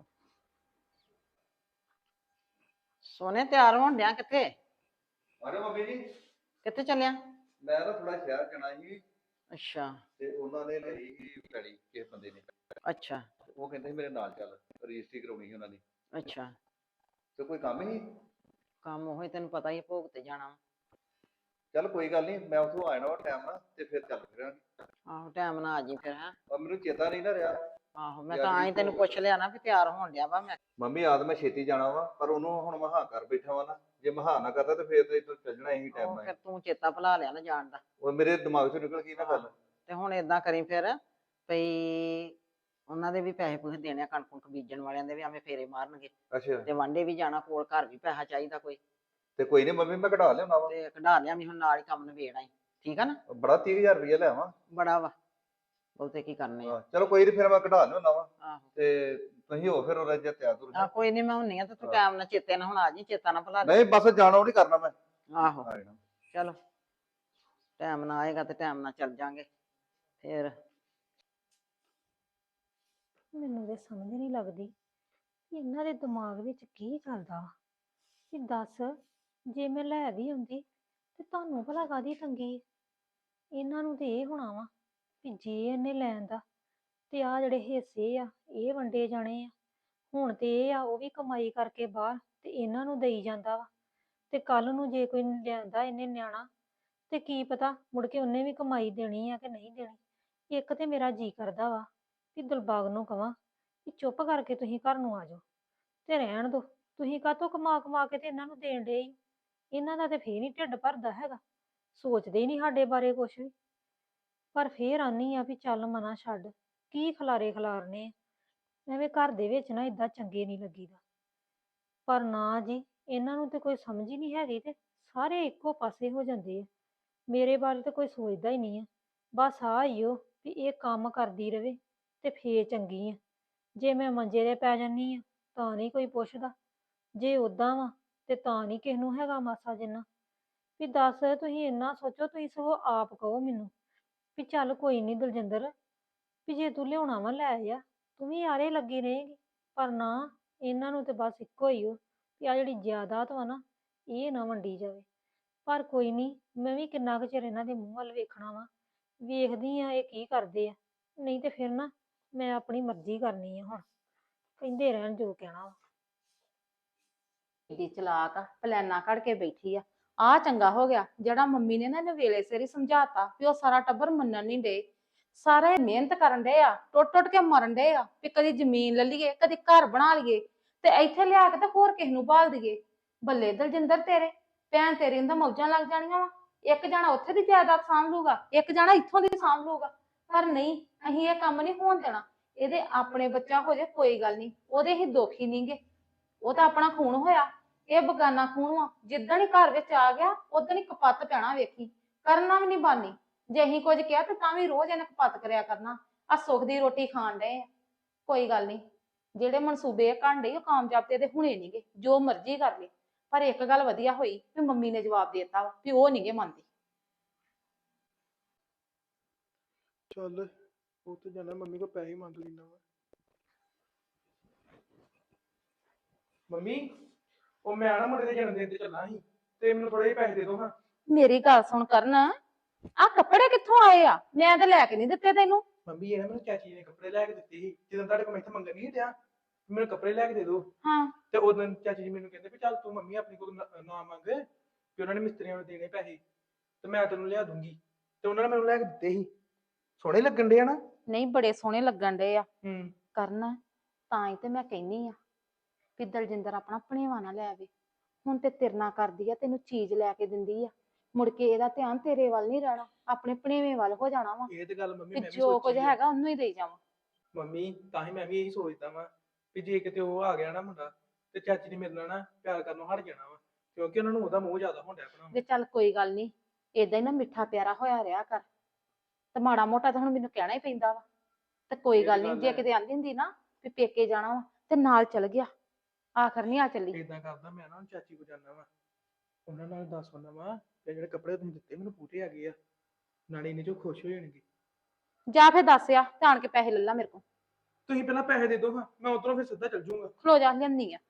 [SPEAKER 1] ਸੋਨੇ ਤਿਆਰ ਹੋਣ ਡਿਆ ਕਿੱਥੇ?
[SPEAKER 4] ਅਰੇ ਮੰਮੀ ਜੀ,
[SPEAKER 1] ਕਿੱਥੇ ਚੱਲਿਆ?
[SPEAKER 4] ਮੈਂ ਨਾ ਥੋੜਾ ਸ਼ਹਿਰ ਜਾਣਾ ਸੀ,
[SPEAKER 1] ਅੱਛਾ
[SPEAKER 4] ਤੇ ਉਹਨਾਂ ਨੇ ਲਈ ਸੀ ਪੈਲੀ ਕਿਸੇ ਬੰਦੇ ਨੇ।
[SPEAKER 1] ਅੱਛਾ
[SPEAKER 4] ਉਹ ਕਹਿੰਦੇ ਸੀ ਮੇਰੇ ਨਾਲ ਚੱਲ, ਰਜਿਸਟਰੀ ਕਰਾਉਣੀ ਸੀ ਉਹਨਾਂ ਦੀ।
[SPEAKER 1] ਅੱਛਾ।
[SPEAKER 4] ਤੇ ਕੋਈ ਕੰਮ ਹੀ?
[SPEAKER 1] ਕੰਮ ਉਹ ਹੀ, ਤੈਨੂੰ ਪਤਾ ਹੀ ਆ, ਭੋਗ ਤੇ ਜਾਣਾ ਵਾ।
[SPEAKER 4] ਚੱਲ ਕੋਈ ਗੱਲ ਨਹੀਂ, ਮੈਂ ਉੱਥੋਂ ਆ ਜਾਣਾ ਵਾ ਟਾਈਮ ਨਾਲ, ਤੇ ਫਿਰ ਚੱਲ ਫਿਰਾਂਗੇ।
[SPEAKER 1] ਆਹੋ ਟਾਈਮ ਨਾਲ ਆ ਜੀ ਫਿਰ। ਹੈਂ
[SPEAKER 4] ਪਰ ਮੈਨੂੰ ਚੇਤਾ ਨਹੀਂ ਨਾ ਰਿਹਾ।
[SPEAKER 1] ਆਹੋ ਮੈਂ ਤਾਂ ਆਈ ਤੈਨੂੰ ਪੁੱਛ ਲਿਆ ਨਾ ਵੀ ਤਿਆਰ ਹੋਣ ਡਿਆ ਵਾ। ਮੈਂ
[SPEAKER 4] ਮੰਮੀ ਆਦ ਮੈਂ ਛੇਤੀ ਜਾਣਾ ਵਾ, ਪਰ ਉਹਨੂੰ ਹੁਣ ਮਹਾ ਕਰ ਬੈਠਾ ਵਾ ਨਾ, ਜੇ ਮਹਾ ਨਾ ਕਰਦਾ ਤੇ ਫਿਰ ਤੇ ਇੱਥੋਂ ਚੱਲ ਜਾਣਾ ਇਹੀ ਟਾਈਮ
[SPEAKER 1] ਉਹ
[SPEAKER 4] ਨਾਲ।
[SPEAKER 1] ਫਿਰ ਤੂੰ ਚੇਤਾ ਭੁਲਾ ਲਿਆ ਨਾ ਜਾਣ ਦਾ।
[SPEAKER 4] ਉਹ ਮੇਰੇ ਦਿਮਾਗ ਚੋਂ ਨਿਕਲ ਗਈ ਨਾ ਗੱਲ।
[SPEAKER 1] ਤੇ ਹੁਣ ਏਦਾਂ ਕਰੀ ਫਿਰ ਭਈ ਉਹਨਾਂ ਦੇ ਵੀ ਪੈਸੇ ਪੂਸੇ ਦੇਣੇ ਆ, ਕਣਕ ਕੁਣਕ ਬੀਜਣ ਵਾਲਿਆਂ ਦੇ ਵੀ ਐਵੇਂ ਫੇਰੇ ਮਾਰਨਗੇ,
[SPEAKER 4] ਅੱਛਾ,
[SPEAKER 1] ਤੇ ਵਾਂਡੇ ਵੀ ਜਾਣਾ, ਕੋਲ ਘਰ ਵੀ ਪੈਸਾ ਚਾਹੀਦਾ ਕੋਈ,
[SPEAKER 4] ਤੇ ਕੋਈ ਨਹੀਂ ਮੰਮੀ, ਮੈਂ ਕਢਾ ਲਿਆਉਣਾ ਵਾ।
[SPEAKER 1] ਤੇ ਕਢਾ ਲਿਆ ਵੀ ਹੁਣ ਨਾਲ ਹੀ ਕੰਮ ਨਿਬੇੜ ਆਈ। ਠੀਕ ਆ ਨਾ?
[SPEAKER 4] ਬੜਾ 30,000 ਰੁਪਇਆ ਲੈ ਆਵਾਂ।
[SPEAKER 1] ਬੜਾ ਵਾ, ਬਹੁਤੇ ਕੀ ਕਰਨੇ ਆ।
[SPEAKER 4] ਹਾਂ, ਚਲੋ ਕੋਈ ਨਹੀਂ, ਫਿਰ ਮੈਂ ਕਢਾ ਲਿਆਉਣਾ ਵਾ।
[SPEAKER 1] ਆਹੋ
[SPEAKER 4] ਤੇ ਤੁਸੀਂ ਹੋ ਫਿਰ ਉਹ ਜੇ ਤਿਆਰ ਤੁਰ
[SPEAKER 1] ਆ ਕੋਈ ਨਹੀਂ, ਮੈਂ ਹੁੰਨੀ ਆ, ਤੇ ਤੂੰ ਟਾਈਮ ਨਾਲ ਚੇਤੇ ਨਾਲ ਹੁਣ ਆ ਜੀ, ਚੇਤਾ ਨਾ ਭੁਲਾ ਦੇ।
[SPEAKER 4] ਨਹੀਂ ਬਸ ਜਾਣਾ ਉਹ ਨਹੀਂ ਕਰਨਾ ਮੈਂ।
[SPEAKER 1] ਆਹੋ
[SPEAKER 4] ਆ ਜਾਣਾ।
[SPEAKER 1] ਚਲੋ ਟਾਈਮ ਨਾਲ ਆਏਗਾ ਤੇ ਟਾਈਮ ਨਾਲ ਚੱਲ ਜਾਾਂਗੇ ਫਿਰ।
[SPEAKER 3] ਮੈਨੂੰ ਤੇ ਸਮਝ ਨਹੀਂ ਲੱਗਦੀ ਕਿ ਇਹਨਾਂ ਦੇ ਦਿਮਾਗ ਵਿੱਚ ਕੀ ਚੱਲਦਾ ਵਾ। ਕਿ ਦੱਸ, ਜੇ ਮੈਂ ਲੈ ਵੀ ਆਉਂਦੀ ਤੇ ਤੁਹਾਨੂੰ ਭਲਾ ਕਾਹਦੀ ਤੰਗੀ ਹੈ? ਇਹਨਾਂ ਨੂੰ ਤੇ ਇਹ ਹੋਣਾ ਵਾ ਵੀ ਜੇ ਇਹਨੇ ਲੈਣ ਦਾ ਤੇ ਆ ਜਿਹੜੇ ਹਿੱਸੇ ਆ ਇਹ ਵੰਡੇ ਜਾਣੇ ਆ। ਹੁਣ ਤੇ ਇਹ ਆ ਉਹ ਵੀ ਕਮਾਈ ਕਰਕੇ ਬਾਹਰ ਤੇ ਇਹਨਾਂ ਨੂੰ ਦੇਈ ਜਾਂਦਾ ਵਾ, ਤੇ ਕੱਲ ਨੂੰ ਜੇ ਕੋਈ ਲਿਆਂਦਾ ਇਹਨੇ ਨਿਆਣਾ ਤੇ ਕੀ ਪਤਾ ਮੁੜ ਕੇ ਉਹਨੇ ਵੀ ਕਮਾਈ ਦੇਣੀ ਆ ਕਿ ਨਹੀਂ ਦੇਣੀ। ਇੱਕ ਤੇ ਮੇਰਾ ਜੀ ਕਰਦਾ ਵਾ ਵੀ ਦਿਲਬਾਗ ਨੂੰ ਕਵਾਂ ਕਿ ਚੁੱਪ ਕਰਕੇ ਤੁਸੀਂ ਘਰ ਨੂੰ ਆ ਜਾਓ ਤੇ ਰਹਿਣ ਦੋ। ਤੁਸੀਂ ਕਾਹਤੋਂ ਕਮਾ ਕਮਾ ਕੇ ਤੇ ਇਹਨਾਂ ਨੂੰ ਦੇਣ ਡੇ? ਇਹਨਾਂ ਦਾ ਤੇ ਫੇਰ ਨਹੀਂ ਢਿੱਡ ਭਰਦਾ ਹੈਗਾ, ਸੋਚਦੇ ਹੀ ਨਹੀਂ ਸਾਡੇ ਬਾਰੇ ਕੁਛ ਵੀ। ਪਰ ਫੇਰ ਆਨੀ ਆ ਵੀ ਚੱਲ ਮਨਾ ਛੱਡ, ਕੀ ਖਲਾਰੇ ਖਲਾਰਨੇ ਆ। ਐਵੇਂ ਘਰ ਦੇ ਵਿੱਚ ਨਾ ਇਦਾਂ ਚੰਗੇ ਨਹੀਂ ਲੱਗੀਦਾ। ਪਰ ਨਾ ਜੀ, ਇਹਨਾਂ ਨੂੰ ਤੇ ਕੋਈ ਸਮਝ ਹੀ ਨਹੀਂ ਹੈਗੀ, ਤੇ ਸਾਰੇ ਇੱਕੋ ਪਾਸੇ ਹੋ ਜਾਂਦੇ ਆ। ਮੇਰੇ ਬਾਰੇ ਤਾਂ ਕੋਈ ਸੋਚਦਾ ਹੀ ਨਹੀਂ ਆ। ਬਸ ਆ ਹੀ ਉਹ ਵੀ ਇਹ ਕੰਮ ਕਰਦੀ ਰਵੇ ਤੇ ਫੇਰ ਚੰਗੀ ਆ। ਜੇ ਮੈਂ ਮੰਜੇ ਤੇ ਪੈ ਜਾਨੀ ਆ ਤਾਂ ਨਹੀਂ ਕੋਈ ਪੁੱਛਦਾ, ਜੇ ਉਦਾਂ ਵਾ ਤੇ ਤਾਂ ਨਹੀਂ ਕਿਸੇ ਨੂੰ ਹੈਗਾ ਮਾਸਾ ਜਿੰਨਾ। ਵੀ ਦੱਸ, ਤੁਸੀਂ ਇੰਨਾ ਸੋਚੋ, ਤੁਸੀਂ ਸਗੋਂ ਆਪ ਕਹੋ ਮੈਨੂੰ ਵੀ ਚੱਲ ਕੋਈ ਨਹੀਂ ਦਲਜਿੰਦਰ, ਵੀ ਜੇ ਤੂੰ ਲਿਆਉਣਾ ਵਾ ਲੈ ਆ, ਤੂੰ ਵੀ ਆਰੇ ਲੱਗੀ ਰਹੇਗੀ। ਪਰ ਨਾ, ਇਹਨਾਂ ਨੂੰ ਤੇ ਬਸ ਇੱਕੋ ਹੀ ਉਹ ਵੀ ਆ ਜਿਹੜੀ ਜਾਇਦਾਦ ਵਾ ਨਾ, ਇਹ ਨਾ ਵੰਡੀ ਜਾਵੇ। ਪਰ ਕੋਈ ਨਹੀਂ, ਮੈਂ ਵੀ ਕਿੰਨਾ ਕੁ ਚਿਰ ਇਹਨਾਂ ਦੇ ਮੂੰਹ ਵੱਲ ਵੇਖਣਾ ਵਾ, ਵੇਖਦੀ ਆ ਇਹ ਕੀ ਕਰਦੇ ਆ। ਨਹੀਂ ਤੇ ਫਿਰ ਨਾ ਮੈਂ ਆਪਣੀ ਮਰਜ਼ੀ ਕਰਨੀ ਆ। ਹੁਣ ਕਹਿੰਦੇ ਰਹਿਣ ਜੋ ਕਹਿਣਾ ਵਾ।
[SPEAKER 6] ਦੀ ਚਲਾਕ ਆ, ਪਲਾਨਾ ਘੜ ਕੇ ਬੈਠੀ ਆ ਚੰਗਾ ਹੋ ਗਿਆ ਜਿਹੜਾ ਮੰਮੀ ਨੇ ਨਾ ਇਹਨੂੰ ਵੇਲੇ ਸਿਰ ਹੀ ਸਮਝਾਤਾ ਵੀ ਉਹ ਸਾਰਾ ਟੱਬਰ ਮੰਨਣ ਨਹੀਂ ਡੇ। ਸਾਰੇ ਮਿਹਨਤ ਕਰਨ ਡੇ ਆ, ਟੁੱਟ ਟੁੱਟ ਕੇ ਮਰਨ ਡੇ ਆ ਵੀ ਕਦੀ ਜ਼ਮੀਨ ਲੈ ਲਈਏ, ਕਦੀ ਘਰ ਬਣਾ ਲਈਏ, ਤੇ ਇੱਥੇ ਲਿਆ ਕੇ ਤੇ ਹੋਰ ਕਿਸ ਨੂੰ ਭਾਲ ਦਈਏ। ਬੱਲੇ ਦਲਜਿੰਦਰ ਤੇਰੇ, ਭੈਣ ਤੇਰੀ ਨੂੰ ਤਾਂ ਮੌਜਾਂ ਲੱਗ ਜਾਣੀਆਂ ਵਾ। ਇੱਕ ਜਾਣਾ ਉੱਥੇ ਦੀ ਜਾਇਦਾਦ ਸਾਂਭ ਲੂਗਾ, ਇੱਕ ਜਾਣਾ ਇੱਥੋਂ ਦੀ ਸਾਂਭ ਲੂਗਾ। ਪਰ ਨਹੀਂ, ਅਸੀਂ ਇਹ ਕੰਮ ਨਹੀਂ ਹੋਣ ਦੇਣਾ। ਇਹਦੇ ਆਪਣੇ ਬੱਚਾ ਹੋ ਜਾਏ ਕੋਈ ਗੱਲ ਨਹੀਂ, ਉਹਦੇ ਹੀ ਦੁੱਖ ਹੀ ਨਹੀਂਗੇ। ਉਹ ਤਾਂ ਆਪਣਾ ਖੂਨ ਹੋਇਆ, ਇਹ ਬਗਾਨਾ ਖੂਨ ਵਾ। ਜਿੱਦਣ ਹੀ ਘਰ ਵਿੱਚ ਆ ਗਿਆ ਉਦਣ ਹੀ ਕਪੱਤ ਪੈਣਾ, ਵੇਖੀ। ਕਰਨਾ ਵੀ ਨਹੀਂ ਬਾਨੀ। ਜੇ ਅਸੀਂ ਕੁਝ ਕਿਹਾ ਤੇ ਤਾਂ ਵੀ ਰੋਜ਼ ਇਹਨੇ ਕਪੱਤ ਕਰਿਆ ਕਰਨਾ। ਆ ਸੁੱਖ ਦੀ ਰੋਟੀ ਖਾਣ ਡਏ ਆ। ਕੋਈ ਗੱਲ ਨਹੀਂ, ਜਿਹੜੇ ਮਨਸੂਬੇ ਕਰਨ ਡਈ ਉਹ ਕਾਮਯਾਬ ਤੇ ਇਹਦੇ ਹੁਣੇ ਨਹੀਂਗੇ, ਜੋ ਮਰਜ਼ੀ ਕਰ ਲੈ। ਪਰ ਇੱਕ ਗੱਲ ਵਧੀਆ ਹੋਈ ਵੀ ਮੰਮੀ ਨੇ ਜਵਾਬ ਦੇ ਦਿੱਤਾ ਵਾ ਵੀ ਉਹ ਨਹੀਂਗੇ ਮੰਨਦੇ।
[SPEAKER 2] ਚੱਲ ਉਹ ਤੇ ਜਾਣਾ, ਮੰਮੀ ਕੋ ਪੈਸੇ ਮੰਗ ਲੈਣਾ ਵਾ। ਮੰਮੀ, ਉਹ ਮੈਂ ਨਾ ਮੁੰਡੇ ਦੇ ਜਨਮ ਦਿਨ ਤੇ ਚੱਲਾਂ ਸੀ, ਤੇ ਮੈਨੂੰ ਥੋੜੇ ਜਿਹੇ ਪੈਸੇ ਦੇ ਦਿਓ ਹਾਂ।
[SPEAKER 6] ਮੇਰੀ ਗੱਲ ਸੁਣ ਕਰਨ, ਆ ਕੱਪੜੇ ਕਿੱਥੋਂ ਆਏ ਆ? ਮੈਂ ਤਾਂ ਲੈ ਕੇ ਨਹੀਂ ਦਿੱਤੇ ਤੈਨੂੰ।
[SPEAKER 2] ਮੰਮੀ ਇਹ ਨਾ ਮੈਨੂੰ ਚਾਚੀ ਨੇ ਕੱਪੜੇ ਲੈ ਕੇ ਦਿੱਤੇ ਸੀ, ਜਦੋਂ ਤੁਹਾਡੇ ਕੋਲ ਮੈਂ ਇੱਥੇ ਮੰਗਣ ਨਹੀਂ ਡਿਆ। ਮੈਨੂੰ ਕੱਪੜੇ ਲੈ ਕੇ ਦੇ ਦਿਓ।
[SPEAKER 6] ਹਾਂ,
[SPEAKER 2] ਤੇ ਉਦੋਂ ਚਾਚੀ ਜੀ ਮੈਨੂੰ ਕਹਿੰਦੇ ਵੀ ਚੱਲ ਤੂੰ ਮੰਮੀ ਆਪਣੀ ਕੋਲ ਨਾ ਮੰਗ, ਕਿ ਉਹਨਾਂ ਨੇ ਮਿਸਤਰੀਆਂ ਨੂੰ ਦੇਣੇ ਪੈਸੇ, ਤੇ ਮੈਂ ਤੈਨੂੰ ਲਿਆ ਦੂੰਗੀ। ਤੇ ਉਹਨਾਂ ਨੇ ਮੈਨੂੰ ਲੈ ਕੇ ਦਿੱਤੇ ਸੀ। ਸੋਹਣੇ ਲੱਗਣ ਡੇ ਆ ਨਾ।
[SPEAKER 6] ਨਹੀਂ ਬੜੇ ਸੋਹਣੇ ਲੱਗਣ ਡਏ ਆ
[SPEAKER 2] ਹੂੰ।
[SPEAKER 6] ਕਰਨ। ਤਾਂ ਹੀ ਤੇ ਮੈਂ ਕਹਿੰਨੀ ਆ ਵੀ ਦਲਜਿੰਦਰ ਆਪਣਾ ਭਣੇਵਾ ਨਾ ਲੈ ਆਵੇ। ਹੁਣ ਤੇ ਤੇਰੇ ਨਾਲ ਕਰਦੀ ਆ, ਤੈਨੂੰ ਚੀਜ਼ ਲੈ ਕੇ ਦਿੰਦੀ ਆ, ਮੁੜ ਕੇ ਇਹਦਾ ਧਿਆਨ ਤੇਰੇ ਵੱਲ ਨਹੀਂ ਰਹਿਣਾ, ਆਪਣੇ ਭਣੇਵੇਂ ਵੱਲ ਹੋ ਜਾਣਾ ਵਾ।
[SPEAKER 2] ਇਹ ਤੇ ਗੱਲ ਮੰਮੀ
[SPEAKER 6] ਵੀ
[SPEAKER 2] ਮੈਂ ਵੀ
[SPEAKER 6] ਜੋ ਕੁਝ
[SPEAKER 2] ਸੋਚੀ ਆ।
[SPEAKER 6] ਹੈਗਾ ਉਹਨੂੰ ਹੀ ਦੇਈ ਜਾਵਾਂ।
[SPEAKER 2] ਮੰਮੀ ਤਾਂ ਹੀ ਮੈਂ ਵੀ ਇਹੀ ਸੋਚਦਾ ਵਾਂ ਵੀ ਜੇ ਕਿਤੇ ਉਹ ਆ ਗਿਆ ਨਾ ਮੁੰਡਾ, ਤੇ ਚਾਚੀ ਨੇ ਮੇਰੇ ਨਾਲ ਨਾ ਪਿਆਰ ਕਰਨੋਂ ਹਟ ਜਾਣਾ ਵਾ, ਕਿਉਂਕਿ ਉਹਨਾਂ ਨੂੰ ਉਹਦਾ ਮੋਹ ਜ਼ਿਆਦਾ ਹੋਣ ਡਿਆ ਆਪਣਾ।
[SPEAKER 6] ਵੀ ਚੱਲ ਕੋਈ ਗੱਲ ਨਹੀਂ, ਏਦਾਂ ਹੀ ਨਾ ਮਿੱਠਾ ਪਿਆਰਾ ਹੋਇਆ ਰਿਹਾ ਕਰ। ਤੇ ਮਾੜਾ ਮੋਟਾ ਤਾਂ ਹੁਣ ਮੈਨੂੰ ਕਹਿਣਾ ਹੀ ਪੈਂਦਾ ਵਾ। ਤੇ ਕੋਈ
[SPEAKER 2] ਇਹ
[SPEAKER 6] ਗੱਲ
[SPEAKER 2] ਤਾਂ
[SPEAKER 6] ਨਹੀਂ,
[SPEAKER 2] ਗੱਲ
[SPEAKER 6] ਜੇ
[SPEAKER 2] ਹੈ।
[SPEAKER 6] ਕਿਤੇ ਆਂਦੀ ਹੁੰਦੀ ਨਾ ਵੀ ਪੇਕੇ ਜਾਣਾ ਵਾ ਤੇ ਨਾਲ ਚਲ ਗਿਆ, ਆਖਰ ਨਹੀਂ ਆ ਚੱਲੀ।
[SPEAKER 2] ਏਦਾਂ ਕਰਦਾ ਮੈਂ ਨਾ ਹੁਣ ਚਾਚੀ ਕੋ ਜਾਣਾ ਵਾ, ਉਹਨਾਂ ਨਾਲ ਦੱਸ ਆਉਣਾ ਵਾ ਕਿ ਜਿਹੜੇ ਕੱਪੜੇ ਤੁਸੀਂ ਦਿੱਤੇ ਮੈਨੂੰ ਪੂਰੇ ਆ ਗਏ ਆ, ਨਾਲੇ ਇਹਨੇ ਜੋ ਖੁਸ਼ ਹੋ ਜਾਣਗੇ।
[SPEAKER 6] ਜਾ ਫਿਰ ਦੱਸਿਆ ਤੇ ਆਣ ਕੇ ਪੈਸੇ ਲੈ ਲਾ ਮੇਰੇ ਕੋਲ।
[SPEAKER 2] ਤੁਸੀਂ ਪਹਿਲਾਂ ਪੈਸੇ ਦੇ ਦਿਓ ਹਾਂ, ਮੈਂ ਉਧਰੋਂ ਫਿਰ ਸਿੱਧਾ ਚੱਲ ਜਾਊਂਗਾ।
[SPEAKER 6] ਖਲੋ ਜਾ, ਲਿਆਂਦੀ ਆ।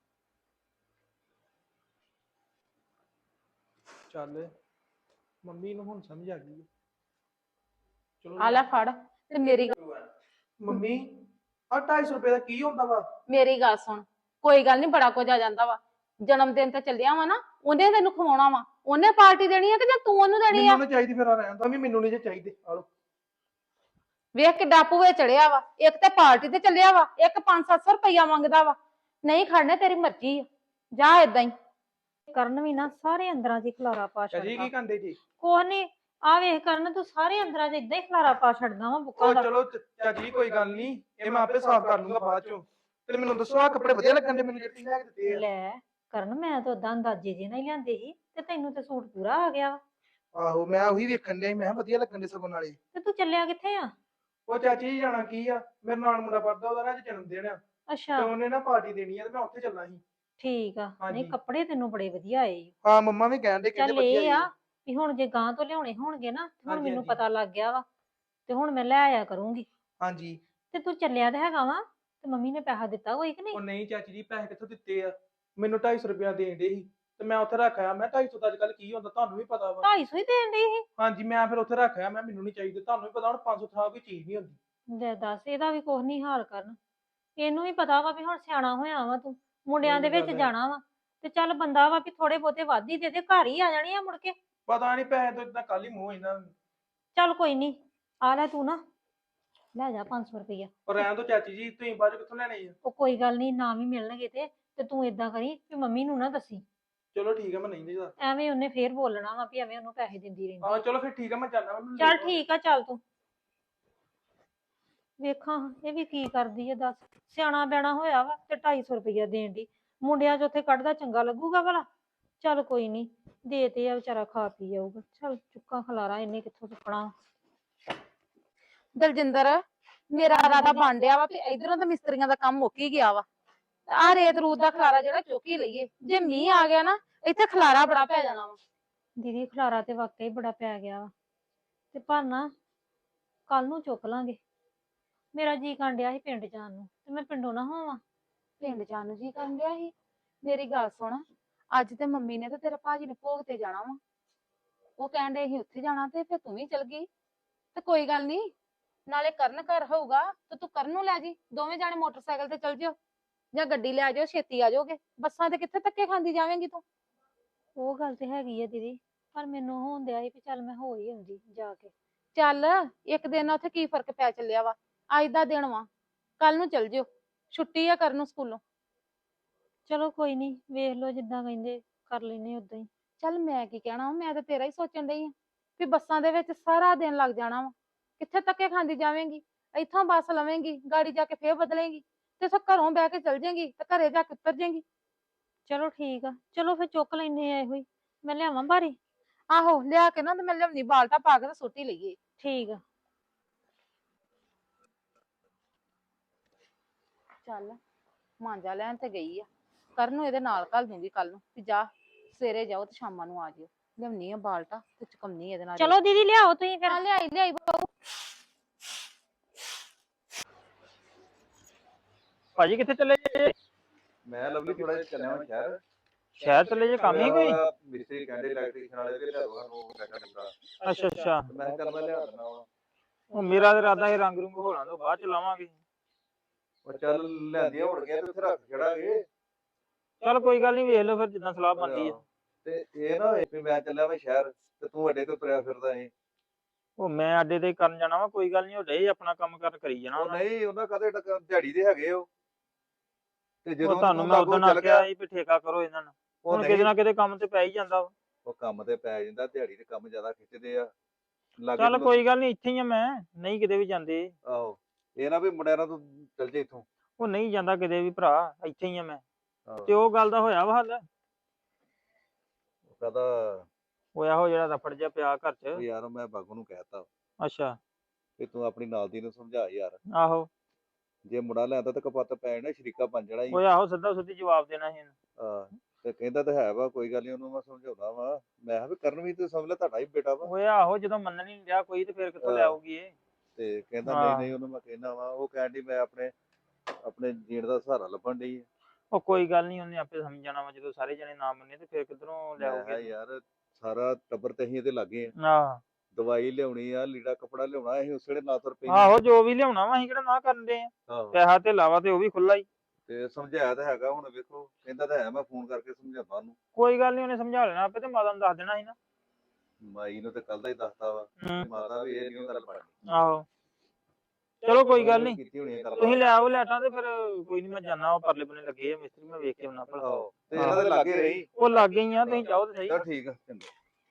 [SPEAKER 2] ਚੱਲ ਮੰਮੀ ਨੂੰ ਹੁਣ ਸਮਝ ਆ ਗਈ ਹੈ। ਚਲੋ
[SPEAKER 6] ਆ ਲੈ ਫੜ। ਤੇ
[SPEAKER 2] ਮੰਮੀ ਆ 250 ਰੁਪਏ ਦਾ ਕੀ ਹੁੰਦਾ ਵਾ?
[SPEAKER 6] ਮੇਰੀ ਗੱਲ ਸੁਣ, ਕੋਈ ਗੱਲ ਨਹੀਂ, ਬੜਾ ਕੁਝ ਆ ਜਾਂਦਾ ਵਾ। ਜਨਮ ਦਿਨ ਤੇ ਚੱਲਿਆ ਵਾ ਨਾ, ਉਹਨੇ ਤੈਨੂੰ ਖਵਾਉਣਾ ਵਾ, ਉਹਨੇ ਪਾਰਟੀ ਦੇਣੀ ਆ ਕਿ ਜਾਂ ਤੂੰ ਉਹਨੂੰ ਦੇਣੀ ਆ?
[SPEAKER 2] ਮੈਨੂੰ ਨਹੀਂ ਚਾਹੀਦੀ, ਫਿਰ ਆ ਰਹਿਣ ਦੋ। ਮੈਨੂੰ ਨਹੀਂ ਜੇ ਚਾਹੀਦੇ। ਆ ਲਓ।
[SPEAKER 6] ਵੇਖ ਕਿੱਡਾ ਭੂਏ ਚੜਿਆ ਵਾ, ਇੱਕ ਤੇ ਪਾਰਟੀ ਤੇ ਚੱਲਿਆ ਵਾ, ਇੱਕ 500-700 ਰੁਪਇਆ ਮੰਗਦਾ ਵਾ। ਨਹੀਂ ਖੜਨੇ ਤੇਰੀ ਮਰਜ਼ੀ ਆ, ਜਾ ਏਦਾਂ ਹੀ।
[SPEAKER 3] ਕਰਨ ਵੀ ਨਾ ਸਾਰੇ ਅੰਦਰਾਂ 'ਚ ਹੀ ਖਲਾਰਾ ਪਾ
[SPEAKER 2] ਚਾਚੀ
[SPEAKER 3] ਛੱਡਦਾ।
[SPEAKER 2] ਕੀ ਕਹਿੰਦੇ ਜੀ?
[SPEAKER 3] ਕੋਹ ਨੀ, ਆ ਵੇਖ ਕਰਨ, ਤੂੰ ਸਾਰੇ ਅੰਦਰਾਂ 'ਚ ਏਦਾਂ ਹੀ ਖਲਾਰਾ ਪਾ ਛੱਡਦਾ ਵਾ ਬੁੱਕਾ
[SPEAKER 2] ਉਹ
[SPEAKER 3] ਦਾ।
[SPEAKER 2] ਚਲੋ ਚਾਚੀ ਕੋਈ ਗੱਲ ਨਹੀਂ, ਇਹ ਮੈਂ ਆਪੇ ਸਾਫ਼ ਕਰ ਲੂੰਗਾ ਬਾਅਦ ਚੋਂ। ਤੇ ਮੈਨੂੰ ਦੱਸੋ ਆ ਕੱਪੜੇ ਵਧੀਆ ਲੱਗਣ ਦੇ ਮੈਨੂੰ ਜਿਹੜੇ ਤੁਸੀਂ ਲੈ ਕੇ ਦਿੱਤੇ ਆ?
[SPEAKER 3] ਲੈ ਕਰਨ, ਮੈਂ ਤਾਂ ਉਦਾਂ ਅੰਦਾਜ਼ੇ ਜੇ ਨਾਲ ਹੀ ਲਿਆਂਦੇ ਸੀ, ਤੇ ਤੈਨੂੰ ਤੇ ਸੂਟ ਪੂਰਾ ਆ ਗਿਆ ਵਾ।
[SPEAKER 2] ਆਹੋ ਮੈਂ ਉਹੀ ਵੇਖਣ ਡਿਆ ਸੀ, ਮੈਂ ਕਿਹਾ ਵਧੀਆ ਲੱਗਣ ਦੇ ਸਗੋਂ ਨਾਲੇ।
[SPEAKER 3] ਤੇ ਤੂੰ ਚੱਲਿਆ ਕਿੱਥੇ ਆ?
[SPEAKER 2] ਉਹ ਚਾਚੀ ਜੀ ਜਾਣਾ ਕੀ ਆ, ਮੇਰੇ ਨਾਲ ਮੁੰਡਾ ਪੜਦਾ, ਉਹਦਾ ਨਾ ਅੱਜ ਜਨਮ ਦਿਨ ਆ, ਤੇ
[SPEAKER 3] ਅੱਛਾ
[SPEAKER 2] ਉਹਨੇ ਨਾ ਪਾਰਟੀ ਦੇਣੀ ਆ, ਤੇ ਮੈਂ ਉੱਥੇ ਚੱਲਣਾ ਸੀ।
[SPEAKER 3] ਠੀਕ ਆ। ਨਹੀਂ
[SPEAKER 2] ਹਾਂਜੀ।
[SPEAKER 3] ਕੱਪੜੇ ਤੈਨੂੰ ਬੜੇ ਵਧੀਆ ਆਏ ਈ।
[SPEAKER 2] ਹਾਂ ਮੰਮਾ ਵੀ ਕਹਿਣ ਦੇ, ਕਹਿੰਦੇ
[SPEAKER 3] ਚੱਲ
[SPEAKER 2] ਵਧੀਆ
[SPEAKER 3] ਇਹ ਆ
[SPEAKER 2] ਆ।
[SPEAKER 3] ਵੀ ਹੁਣ ਜੇ ਗਾਂ ਤੋਂ ਲਿਆਉਣੇ ਹੋਣਗੇ ਨਾ, ਤੇ ਹੁਣ
[SPEAKER 2] ਹਾਂਜੀ,
[SPEAKER 3] ਮੈਨੂੰ
[SPEAKER 2] ਹਾਂਜੀ।
[SPEAKER 3] ਪਤਾ ਲੱਗ ਗਿਆ ਵਾ, ਤੇ ਹੁਣ ਮੈਂ ਲੈ ਆਇਆ ਕਰੂੰਗੀ।
[SPEAKER 2] ਹਾਂਜੀ।
[SPEAKER 3] ਤੇ ਤੂੰ ਚੱਲਿਆ ਤੇ ਹੈਗਾ ਵਾ, ਤੇ ਮੰਮੀ ਨੇ ਪੈਸਾ ਦਿੱਤਾ ਕੋਈ ਕਿ
[SPEAKER 2] ਉਹ
[SPEAKER 3] ਨਹੀਂ?
[SPEAKER 2] ਨਹੀਂ ਚਾਚੀ ਜੀ, ਪੈਸੇ ਕਿੱਥੋਂ ਦਿੱਤੇ ਆ? ਮੈਨੂੰ 250 ਰੁਪਇਆ ਦੇਣ ਦੇ ਸੀ, ਤੇ ਮੈਂ ਉੱਥੇ ਰੱਖ ਆਇਆ। ਮੈਂ 250 ਦਾ ਅੱਜ ਕੱਲ ਕੀ ਹੁੰਦਾ ਤੁਹਾਨੂੰ ਵੀ ਪਤਾ ਵਾ।
[SPEAKER 3] 250 ਹੀ ਦੇਣ ਡਈ ਸੀ?
[SPEAKER 2] ਹਾਂਜੀ ਮੈਂ ਫਿਰ ਉੱਥੇ ਰੱਖ ਆਇਆ, ਮੈਂ ਮੈਨੂੰ ਨਹੀਂ ਚਾਹੀਦੇ। ਤੁਹਾਨੂੰ ਵੀ ਪਤਾ ਹੁਣ 500 ਥਾਂ ਕੋਈ ਚੀਜ਼ ਨਹੀਂ ਹੁੰਦੀ।
[SPEAKER 3] ਲੈ ਦੱਸ, ਇਹਦਾ ਵੀ ਕੁਛ ਨਹੀਂ ਹਾਲ ਕਰਨ। ਇਹਨੂੰ ਵੀ ਪਤਾ ਵਾ ਵੀ ਹੁਣ ਸਿਆਣਾ ਹੋਇਆ ਵਾ ਤੂੰ, ਮੁੰਡਿਆਂ ਦੇ
[SPEAKER 2] ਇਹ ਤਾਂ
[SPEAKER 3] ਵਿੱਚ
[SPEAKER 2] ਗੱਲ ਹੈ।
[SPEAKER 3] ਜਾਣਾ ਵਾ, ਤੇ ਚੱਲ ਬੰਦਾ ਵਾ ਵੀ ਥੋੜੇ ਬਹੁਤੇ ਵੱਧ ਹੀ ਦੇ ਦੇ, ਘਰ ਹੀ ਆ ਜਾਣੀ ਆ ਮੁੜ ਕੇ।
[SPEAKER 2] ਪਤਾ ਨਹੀਂ ਪੈਸੇ ਤੋਂ ਇਦਾਂ ਕੱਲ ਹੀ ਮੂੰਹ ਇਹਨਾਂ।
[SPEAKER 3] ਚੱਲ ਕੋਈ ਨਹੀਂ, ਆ ਲੈ ਤੂੰ ਨਾ, ਲੈ ਜਾ 500 ਰੁਪਈਆ।
[SPEAKER 2] ਪਰ ਰਹਿਣ ਤੋਂ ਚਾਚੀ ਜੀ, ਤੁਸੀਂ ਬਾਅਦ ਚ ਕਿੱਥੋਂ ਲੈਣੇ ਆ?
[SPEAKER 3] ਉਹ ਕੋਈ ਗੱਲ ਨਹੀਂ, ਨਾ ਵੀ ਮਿਲਣਗੇ ਤੇ ਤੂੰ ਏਦਾਂ ਕਰੀ ਵੀ ਮੰਮੀ ਨੂੰ ਨਾ ਦੱਸੀ,
[SPEAKER 2] ਚਲੋ ਠੀਕ ਆ, ਮੈਂ ਨਹੀਂ ਦੇਦਾ।
[SPEAKER 3] ਐਵੇਂ ਉਹਨੇ ਫੇਰ ਬੋਲਣਾ ਵਾ ਵੀ ਐਵੇਂ ਉਹਨੂੰ ਪੈਸੇ ਦਿੰਦੀ ਰਹਿੰਦੀ।
[SPEAKER 2] ਹਾਂ ਚਲੋ ਫਿਰ ਠੀਕ ਆ, ਮੈਂ ਜਾਣਾ।
[SPEAKER 3] ਚੱਲ ਠੀਕ ਆ, ਚੱਲ ਤੂੰ। ਵੇਖਾਂ ਇਹ ਵੀ ਕੀ ਕਰਦੀ ਹੈ ਦੱਸ, ਸਿਆਣਾ ਬੈਣਾ ਹੋਇਆ ਵਾ ਤੇ 250 ਰੁਪਈਆ ਦੇਣ ਦੀ। ਮੁੰਡਿਆਂ 'ਚ ਉੱਥੇ ਕੱਢਦਾ ਚੰਗਾ ਲੱਗੂਗਾ ਭਲਾ? ਚੱਲ ਕੋਈ ਨਹੀਂ, ਦੇ ਤੇ ਆ ਵਿਚਾਰਾ, ਖਾ ਪੀ ਜਾਊਗਾ। ਚੱਲ ਚੁੱਕਾ ਖਲਾਰਾ ਇਹਨੇ ਕਿੱਥੋਂ ਚੁੱਕਣਾ।
[SPEAKER 6] ਦਲਜਿੰਦਰ, ਮੇਰਾ ਇਰਾਦਾ ਬਣ ਡਿਆ ਵਾ ਵੀ ਇਧਰੋਂ ਤਾਂ ਮਿਸਤਰੀਆਂ ਦਾ ਕੰਮ ਮੁੱਕ ਹੀ ਗਿਆ ਵਾ। ਆ ਰੇਤ ਰੂਤ ਦਾ ਖਲਾਰਾ ਜਿਹੜਾ ਚੁੱਕ ਹੀ ਲਈਏ, ਜੇ ਮੀਂਹ ਆ ਗਿਆ ਨਾ ਇੱਥੇ ਖਲਾਰਾ ਬੜਾ ਪੈ ਜਾਣਾ ਵਾ।
[SPEAKER 3] ਦੀਦੀ ਖਲਾਰਾ ਤੇ ਵਾਕਈ ਬੜਾ ਪੈ ਗਿਆ ਵਾ, ਤੇ ਪਰ ਨਾ ਕੱਲ ਨੂੰ ਚੁੱਕ ਲਾਂਗੇ। ਮੇਰਾ ਜੀ ਕਾਂਡਿਆ ਸੀ ਪਿੰਡ ਜਾਣ ਨੂੰ, ਤੇ ਮੈਂ ਪਿੰਡੋਂ ਨਾ ਹੋਵਾਂ।
[SPEAKER 6] ਪਿੰਡ ਜਾਣ ਨੂੰ ਜੀ ਕਰਨ ਡਿਆ ਸੀ? ਮੇਰੀ ਗੱਲ ਸੁਣ, ਅੱਜ ਤੇ ਮੰਮੀ ਨੇ ਤੇ ਤੇਰੇ ਭਾਜੀ ਨੇ ਭੋਗ ਤੇ ਜਾਣਾ ਵਾ, ਉਹ ਕਹਿਣ ਦੇ ਅਸੀਂ ਉੱਥੇ ਜਾਣਾ, ਤੇ ਫਿਰ ਤੂੰ ਵੀ ਚਲ ਗਈ। ਤੇ ਕੋਈ ਗੱਲ ਨਹੀਂ, ਨਾਲੇ ਕਰਨ ਘਰ ਹੋਊਗਾ ਤੇ ਤੂੰ ਕਰਨ ਨੂੰ ਲੈ ਜੀ, ਦੋਵੇਂ ਜਾਣੇ ਮੋਟਰਸਾਈਕਲ ਤੇ ਚਲ ਜਿਓ, ਜਾਂ ਗੱਡੀ ਲੈ ਜਾਓ, ਛੇਤੀ ਆ ਜਾਓਗੇ। ਬੱਸਾਂ ਤੇ ਕਿੱਥੇ ਧੱਕੇ ਖਾਂਦੀ ਜਾਵੇਂਗੀ ਤੂੰ?
[SPEAKER 3] ਉਹ ਗੱਲ ਤੇ ਹੈਗੀ ਆ ਦੀਦੀ, ਪਰ ਮੈਨੂੰ ਹੋਣ ਦਿਆ ਸੀ ਵੀ ਚੱਲ ਮੈਂ ਹੋ ਹੀ ਆਉਂਦੀ ਜਾ ਕੇ।
[SPEAKER 6] ਚੱਲ ਇੱਕ ਦਿਨ ਉੱਥੇ ਕੀ ਫਰਕ ਪੈ ਚੱਲਿਆ ਵਾ? ਅੱਜ ਦਾ ਦਿਨ ਵਾ, ਕੱਲ ਨੂੰ ਚਲ ਜਿਓ, ਛੁੱਟੀ ਆ ਕਰਨ ਨੂੰ ਸਕੂਲੋਂ।
[SPEAKER 3] ਚਲੋ ਕੋਈ ਨਹੀਂ, ਵੇਖ ਲਓ ਜਿੱਦਾਂ ਕਹਿੰਦੇ ਕਰ ਲੈਨੇ ਉਦਾਂ ਹੀ।
[SPEAKER 6] ਚੱਲ ਮੈਂ ਕੀ ਕਹਿਣਾ ਵਾ, ਮੈਂ ਤਾਂ ਤੇਰਾ ਹੀ ਸੋਚਣ ਡਈ ਆ ਵੀ ਬੱਸਾਂ ਦੇ ਵਿੱਚ ਸਾਰਾ ਦਿਨ ਲੱਗ ਜਾਣਾ ਵਾ। ਕਿੱਥੇ ਧੱਕੇ ਖਾਂਦੀ ਜਾਵੇਂਗੀ? ਇੱਥੋਂ ਬੱਸ ਲਵੇਂਗੀ, ਗਾੜੀ ਜਾ ਕੇ ਫੇਰ ਬਦਲੇਂਗੀ, ਤੇ ਸੋ ਘਰੋਂ ਬਹਿ ਕੇ ਚਲ ਜਾਏਂਗੀ ਤੇ ਘਰੇ ਜਾ ਕੇ ਉਤਰ ਜਾਏਂਗੀ।
[SPEAKER 3] ਚਲੋ ਠੀਕ ਆ, ਚਲੋ ਫਿਰ ਚੁੱਕ ਲੈਨੇ ਆ ਇਹੋ ਹੀ। ਮੈਂ ਲਿਆਵਾਂ ਬਾਰੀ?
[SPEAKER 6] ਆਹੋ ਲਿਆ ਕੇ ਨਾ ਤੇ ਮੈਂ ਲਿਆਉਣੀ ਬਾਲਟਾ ਪਾ ਕੇ ਤੇ ਸੁੱਟ ਹੀ ਲਈਏ।
[SPEAKER 3] ਠੀਕ ਆ।
[SPEAKER 6] ਚੱਲ ਮਾਂਜਾ ਲੈਣ ਤੇ ਗਈ ਆ, ਕਰਨ ਨੂੰ ਇਹਦੇ ਨਾਲ ਘੱਲ ਦੂੰਗੀ ਕੱਲ ਨੂੰ ਵੀ ਜਾ ਸਵੇਰੇ ਜਾਓ ਤੇ ਸ਼ਾਮਾਂ ਨੂੰ ਆ ਜਿਓ। ਲਿਆਉਣੀ ਆ ਬਾਲਟਾ ਤੇ ਚੁਕਮਨੀ ਇਹਦੇ ਨਾਲ।
[SPEAKER 3] ਚਲੋ ਦੀਦੀ ਲਿਆਓ ਤੁਸੀਂ ਫਿਰ।
[SPEAKER 6] ਹਾਂ ਲਿਆਈ ਲਿਆਈ ਬਾਬੂ।
[SPEAKER 7] ਭਾਜੀ ਕਿੱਥੇ ਚੱਲੇ ਜੇ?
[SPEAKER 4] ਮੈਂ ਲਵਲੀ ਥੋੜਾ ਜਿਹਾ ਚੱਲਿਆ ਹਾਂ ਸ਼ਹਿਰ।
[SPEAKER 7] ਸ਼ਹਿਰ ਚੱਲੇ ਜੇ, ਕੰਮ ਹੀ ਕੋਈ?
[SPEAKER 4] ਮਿਸਤਰੀ ਕਹਿੰਦੇ ਇਲੈਕਟ੍ਰੀਸ਼ੀਅਨ ਵਾਲੇ ਦੇ ਲਿਆ ਦੋ ਸਾਨੂੰ ਬੈਠਾ ਬੁੱਟਾ।
[SPEAKER 7] ਅੱਛਾ ਅੱਛਾ।
[SPEAKER 4] ਮੈਂ ਕਿਹਾ ਚੱਲ ਮੈਂ ਲਿਆ ਦਿੰਦਾ ਵਾ।
[SPEAKER 7] ਉਹ ਮੇਰਾ ਤਾਂ ਇਰਾਦਾ ਸੀ ਰੰਗ ਰੁੰਗ ਹੋਲਾਂ ਤੋਂ ਬਾਅਦ ਚ ਲਾਵਾਂਗੇ।
[SPEAKER 4] ਉਹ ਚੱਲ ਲਿਆਂਦੀਆਂ ਹੋਣ ਗਿਆ ਤੇ ਉੱਥੇ ਰੱਖ ਛੜਾਂਗੇ।
[SPEAKER 7] ਚੱਲ ਕੋਈ ਗੱਲ ਨਹੀਂ, ਵੇਖ ਲਓ ਫਿਰ ਜਿੱਦਾਂ ਸਲਾਹ ਬਣਦੀ ਆ।
[SPEAKER 4] ਤੇ ਇਹ ਨਾ ਹੋਏ ਵੀ ਮੈਂ ਚੱਲਿਆ ਮੈਂ ਸ਼ਹਿਰ ਤੇ ਤੂੰ ਅੱਡੇ ਤੋਂ ਤੁਰਿਆ ਫਿਰਦਾ ਏ।
[SPEAKER 7] ਉਹ ਮੈਂ ਅੱਡੇ ਤੇ ਕਰਨ ਜਾਣਾ ਵਾ, ਕੋਈ ਗੱਲ ਨਹੀਂ, ਉਹ ਡੇ ਆਪਣਾ ਕੰਮ ਕਰ ਕਰੀ ਜਾਣਾ
[SPEAKER 4] ਉਹ
[SPEAKER 7] ਉਹਨਾਂ।
[SPEAKER 4] ਨਹੀਂ ਉਹਨਾਂ ਕਦੇ ਦਿਹਾੜੀ ਦੇ ਹੈਗੇ ਉਹ। ਤੇ
[SPEAKER 7] ਉਹ
[SPEAKER 4] ਜਦੋਂ
[SPEAKER 7] ਤੁਹਾਨੂੰ ਮੈਂ ਉਦੋਂ ਆਖਿਆ ਸੀ ਵੀ ਠੇਕਾ ਕਰੋ ਇਹਨਾਂ ਨੂੰ।
[SPEAKER 4] ਉਹ
[SPEAKER 7] ਹੁਣ ਕਿਤੇ
[SPEAKER 4] ਨਹੀਂ,
[SPEAKER 7] ਨਾ ਕਿਤੇ ਕੰਮ ਤੇ ਪੈ ਹੀ ਜਾਂਦਾ ਵਾ।
[SPEAKER 4] ਉਹ ਕੰਮ ਤੇ ਪੈ ਜਾਂਦਾ, ਦਿਹਾੜੀ ਦੇ ਕੰਮ ਜ਼ਿਆਦਾ ਖਿੱਚਦੇ ਆ। ਲਾਗੇ
[SPEAKER 7] ਚੱਲ
[SPEAKER 4] ਨੂੰ-
[SPEAKER 7] ਕੋਈ ਗੱਲ ਨਹੀਂ, ਇੱਥੇ ਹੀ ਆ ਮੈਂ, ਨਹੀਂ ਕਿਤੇ ਵੀ ਜਾਂਦੇ।
[SPEAKER 4] ਆਹੋ ਇਹ ਨਾ ਵੀ ਮੁੰਡਿਆਂ ਨਾਲ ਤੂੰ ਚੱਲ ਜੇ ਇੱਥੋਂ।
[SPEAKER 7] ਉਹ ਨਹੀਂ ਜਾਂਦਾ ਕਿਤੇ ਵੀ ਭਰਾ, ਇੱਥੇ ਹੀ ਆ ਮੈਂ।
[SPEAKER 4] ਆਹੋ।
[SPEAKER 7] ਤੇ ਉਹ ਗੱਲ ਦਾ ਹੋਇਆ ਵਾ ਹੱਲ?
[SPEAKER 4] ਉਹ ਕਹਿੰਦਾ
[SPEAKER 7] ਹੋਇਆ ਉਹ ਜਿਹੜਾ ਰਫੜ ਜਿਹਾ ਪਿਆ ਘਰ
[SPEAKER 4] ਉਹ
[SPEAKER 7] ਚ।
[SPEAKER 4] ਯਾਰ ਮੈਂ ਬਾਗੂ ਨੂੰ ਕਹਿਤਾ
[SPEAKER 7] ਅੱਛਾ।
[SPEAKER 4] ਵੀ ਤੂੰ ਆਪਣੀ ਨਾਲ ਦੀ ਨੂੰ ਸਮਝਾ ਯਾਰ,
[SPEAKER 7] ਆਹੋ।
[SPEAKER 4] ਜੇ ਮੁੰਡਾ ਲਿਆਂਦਾ ਤਾਂ ਕਪੱਤ ਪੈ ਜਾਣਾ, ਸ਼ਰੀਕਾ ਬਣ ਜਾਣਾ ਹੀ।
[SPEAKER 7] ਉਹ ਆਹੋ ਸਿੱਧਾ ਸਿੱਧੀ ਜਵਾਬ ਦੇਣਾ ਸੀ ਇਹਨੂੰ।
[SPEAKER 4] ਹਾਂ ਤੇ ਕਹਿੰਦਾ ਤਾਂ ਹੈ ਵਾ, ਕੋਈ ਗੱਲ ਨਹੀਂ ਉਹਨੂੰ ਮੈਂ ਸਮਝਾਉਂਦਾ ਵਾ। ਮੈਂ ਕਿਹਾ ਵੀ ਕਰਨ ਵੀ ਤੂੰ ਸਮਝ ਲੈ, ਤੁਹਾਡਾ ਹੀ ਬੇਟਾ ਵਾ।
[SPEAKER 7] ਉਹ ਆਹੋ ਜਦੋਂ ਮੰਨਣ ਹੀ ਨਹੀਂ ਰਿਹਾ ਕੋਈ ਤੇ ਫਿਰ ਕਿੱਥੋਂ ਲੈ ਆਊਗੀ ਇਹ?
[SPEAKER 4] ਤੇ ਕਹਿੰਦਾ
[SPEAKER 7] ਹਾਂ।
[SPEAKER 4] ਨਹੀਂ ਨਹੀਂ ਉਹਨੂੰ ਮੈਂ ਕਹਿਣਾ ਵਾ। ਉਹ ਕਹਿਣ ਡਈ ਮੈਂ ਆਪਣੇ ਜੀਣ ਦਾ ਸਹਾਰਾ ਲੱਭਣ ਡਈ ਆ।
[SPEAKER 7] ਉਹ ਕੋਈ ਗੱਲ ਨਹੀਂ, ਉਹਨੇ ਆਪੇ ਸਮਝ ਜਾਣਾ ਵਾ, ਜਦੋਂ ਸਾਰੇ ਜਣੇ ਨਾ ਮੰਨੇ ਤੇ ਫਿਰ ਕਿੱਧਰੋਂ ਲੈ
[SPEAKER 4] ਮੈਂ ਕਿਹਾ
[SPEAKER 7] ਆਊਗੀ?
[SPEAKER 4] ਯਾਰ ਸਾਰਾ ਟੱਬਰ ਤੇ ਅਸੀਂ ਇਹਦੇ ਲਾਗੇ ਆ।
[SPEAKER 7] ਆਹ
[SPEAKER 4] ਦਵਾਈ ਲਿਆਉਣੀ ਆ, ਲੀੜਾ ਕੱਪੜਾ ਲਿਆਉਣਾ, ਅਸੀਂ ਉਸ ਵੇਲੇ ਨਾ ਤੁਰ ਪੈਂਦੇ।
[SPEAKER 7] ਆਹੋ ਜੋ ਵੀ ਲਿਆਉਣਾ ਵਾ ਅਸੀਂ ਕਿਹੜਾ ਨਾ ਕਰਨ ਦੇ ਆ।
[SPEAKER 4] ਆਹੋ
[SPEAKER 7] ਪੈਸਾ ਤੇ ਲਾਵਾ ਤੇ ਉਹ ਵੀ ਖੁੱਲਾ ਹੀ।
[SPEAKER 4] ਤੇ ਸਮਝਾਇਆ ਤਾਂ ਹੈਗਾ, ਹੁਣ ਵੇਖੋ ਕਹਿੰਦਾ ਤਾਂ ਹੈ ਮੈਂ ਫੋਨ ਕਰਕੇ ਸਮਝਾਉਂਦਾ ਉਹਨੂੰ।
[SPEAKER 7] ਕੋਈ ਗੱਲ ਨਹੀਂ, ਉਹਨੇ ਸਮਝਾ ਲੈਣਾ ਆਪੇ, ਤੇ ਮਾਤਾ ਨੂੰ ਦੱਸ ਦੇਣਾ ਸੀ ਨਾ।
[SPEAKER 4] ਮਾਈ ਨੂੰ ਤੇ ਕੱਲ ਦਾ ਹੀ ਦੱਸਤਾ ਵਾ।
[SPEAKER 7] ਹੂੰ।
[SPEAKER 4] ਮਾਤਾ ਵੀ ਇਹ ਨਹੀਂ ਗੱਲ ਪੜਨੀ।
[SPEAKER 7] ਆਹੋ ਚਲੋ ਕੋਈ ਗੱਲ ਨਹੀਂ,
[SPEAKER 4] ਕੀਤੀ ਹੋਣੀ ਆ ਗੱਲ।
[SPEAKER 7] ਤੁਸੀਂ ਲੈ ਆਓ ਲੈਟਾਂ ਤੇ ਫਿਰ ਕੋਈ ਨਹੀਂ, ਮੈਂ ਜਾਣਾ ਉਹ ਪਰਲੇ ਬੰਨੇ ਲੱਗੇ ਆ ਮਿਸਤਰੀ, ਮੈਂ ਵੇਖ ਕੇ ਆਉਣਾ ਭਲਾ।
[SPEAKER 4] ਆਹੋ ਤੇ ਇਹਨਾਂ ਦੇ ਲਾਗੇ ਰਹੀ।
[SPEAKER 7] ਉਹ ਲੱਗ ਗਈ ਆ, ਤੁਸੀਂ ਜਾਓ ਤੇ ਸਹੀ।
[SPEAKER 4] ਚਲ ਠੀਕ ਆ ਚੰਗਾ।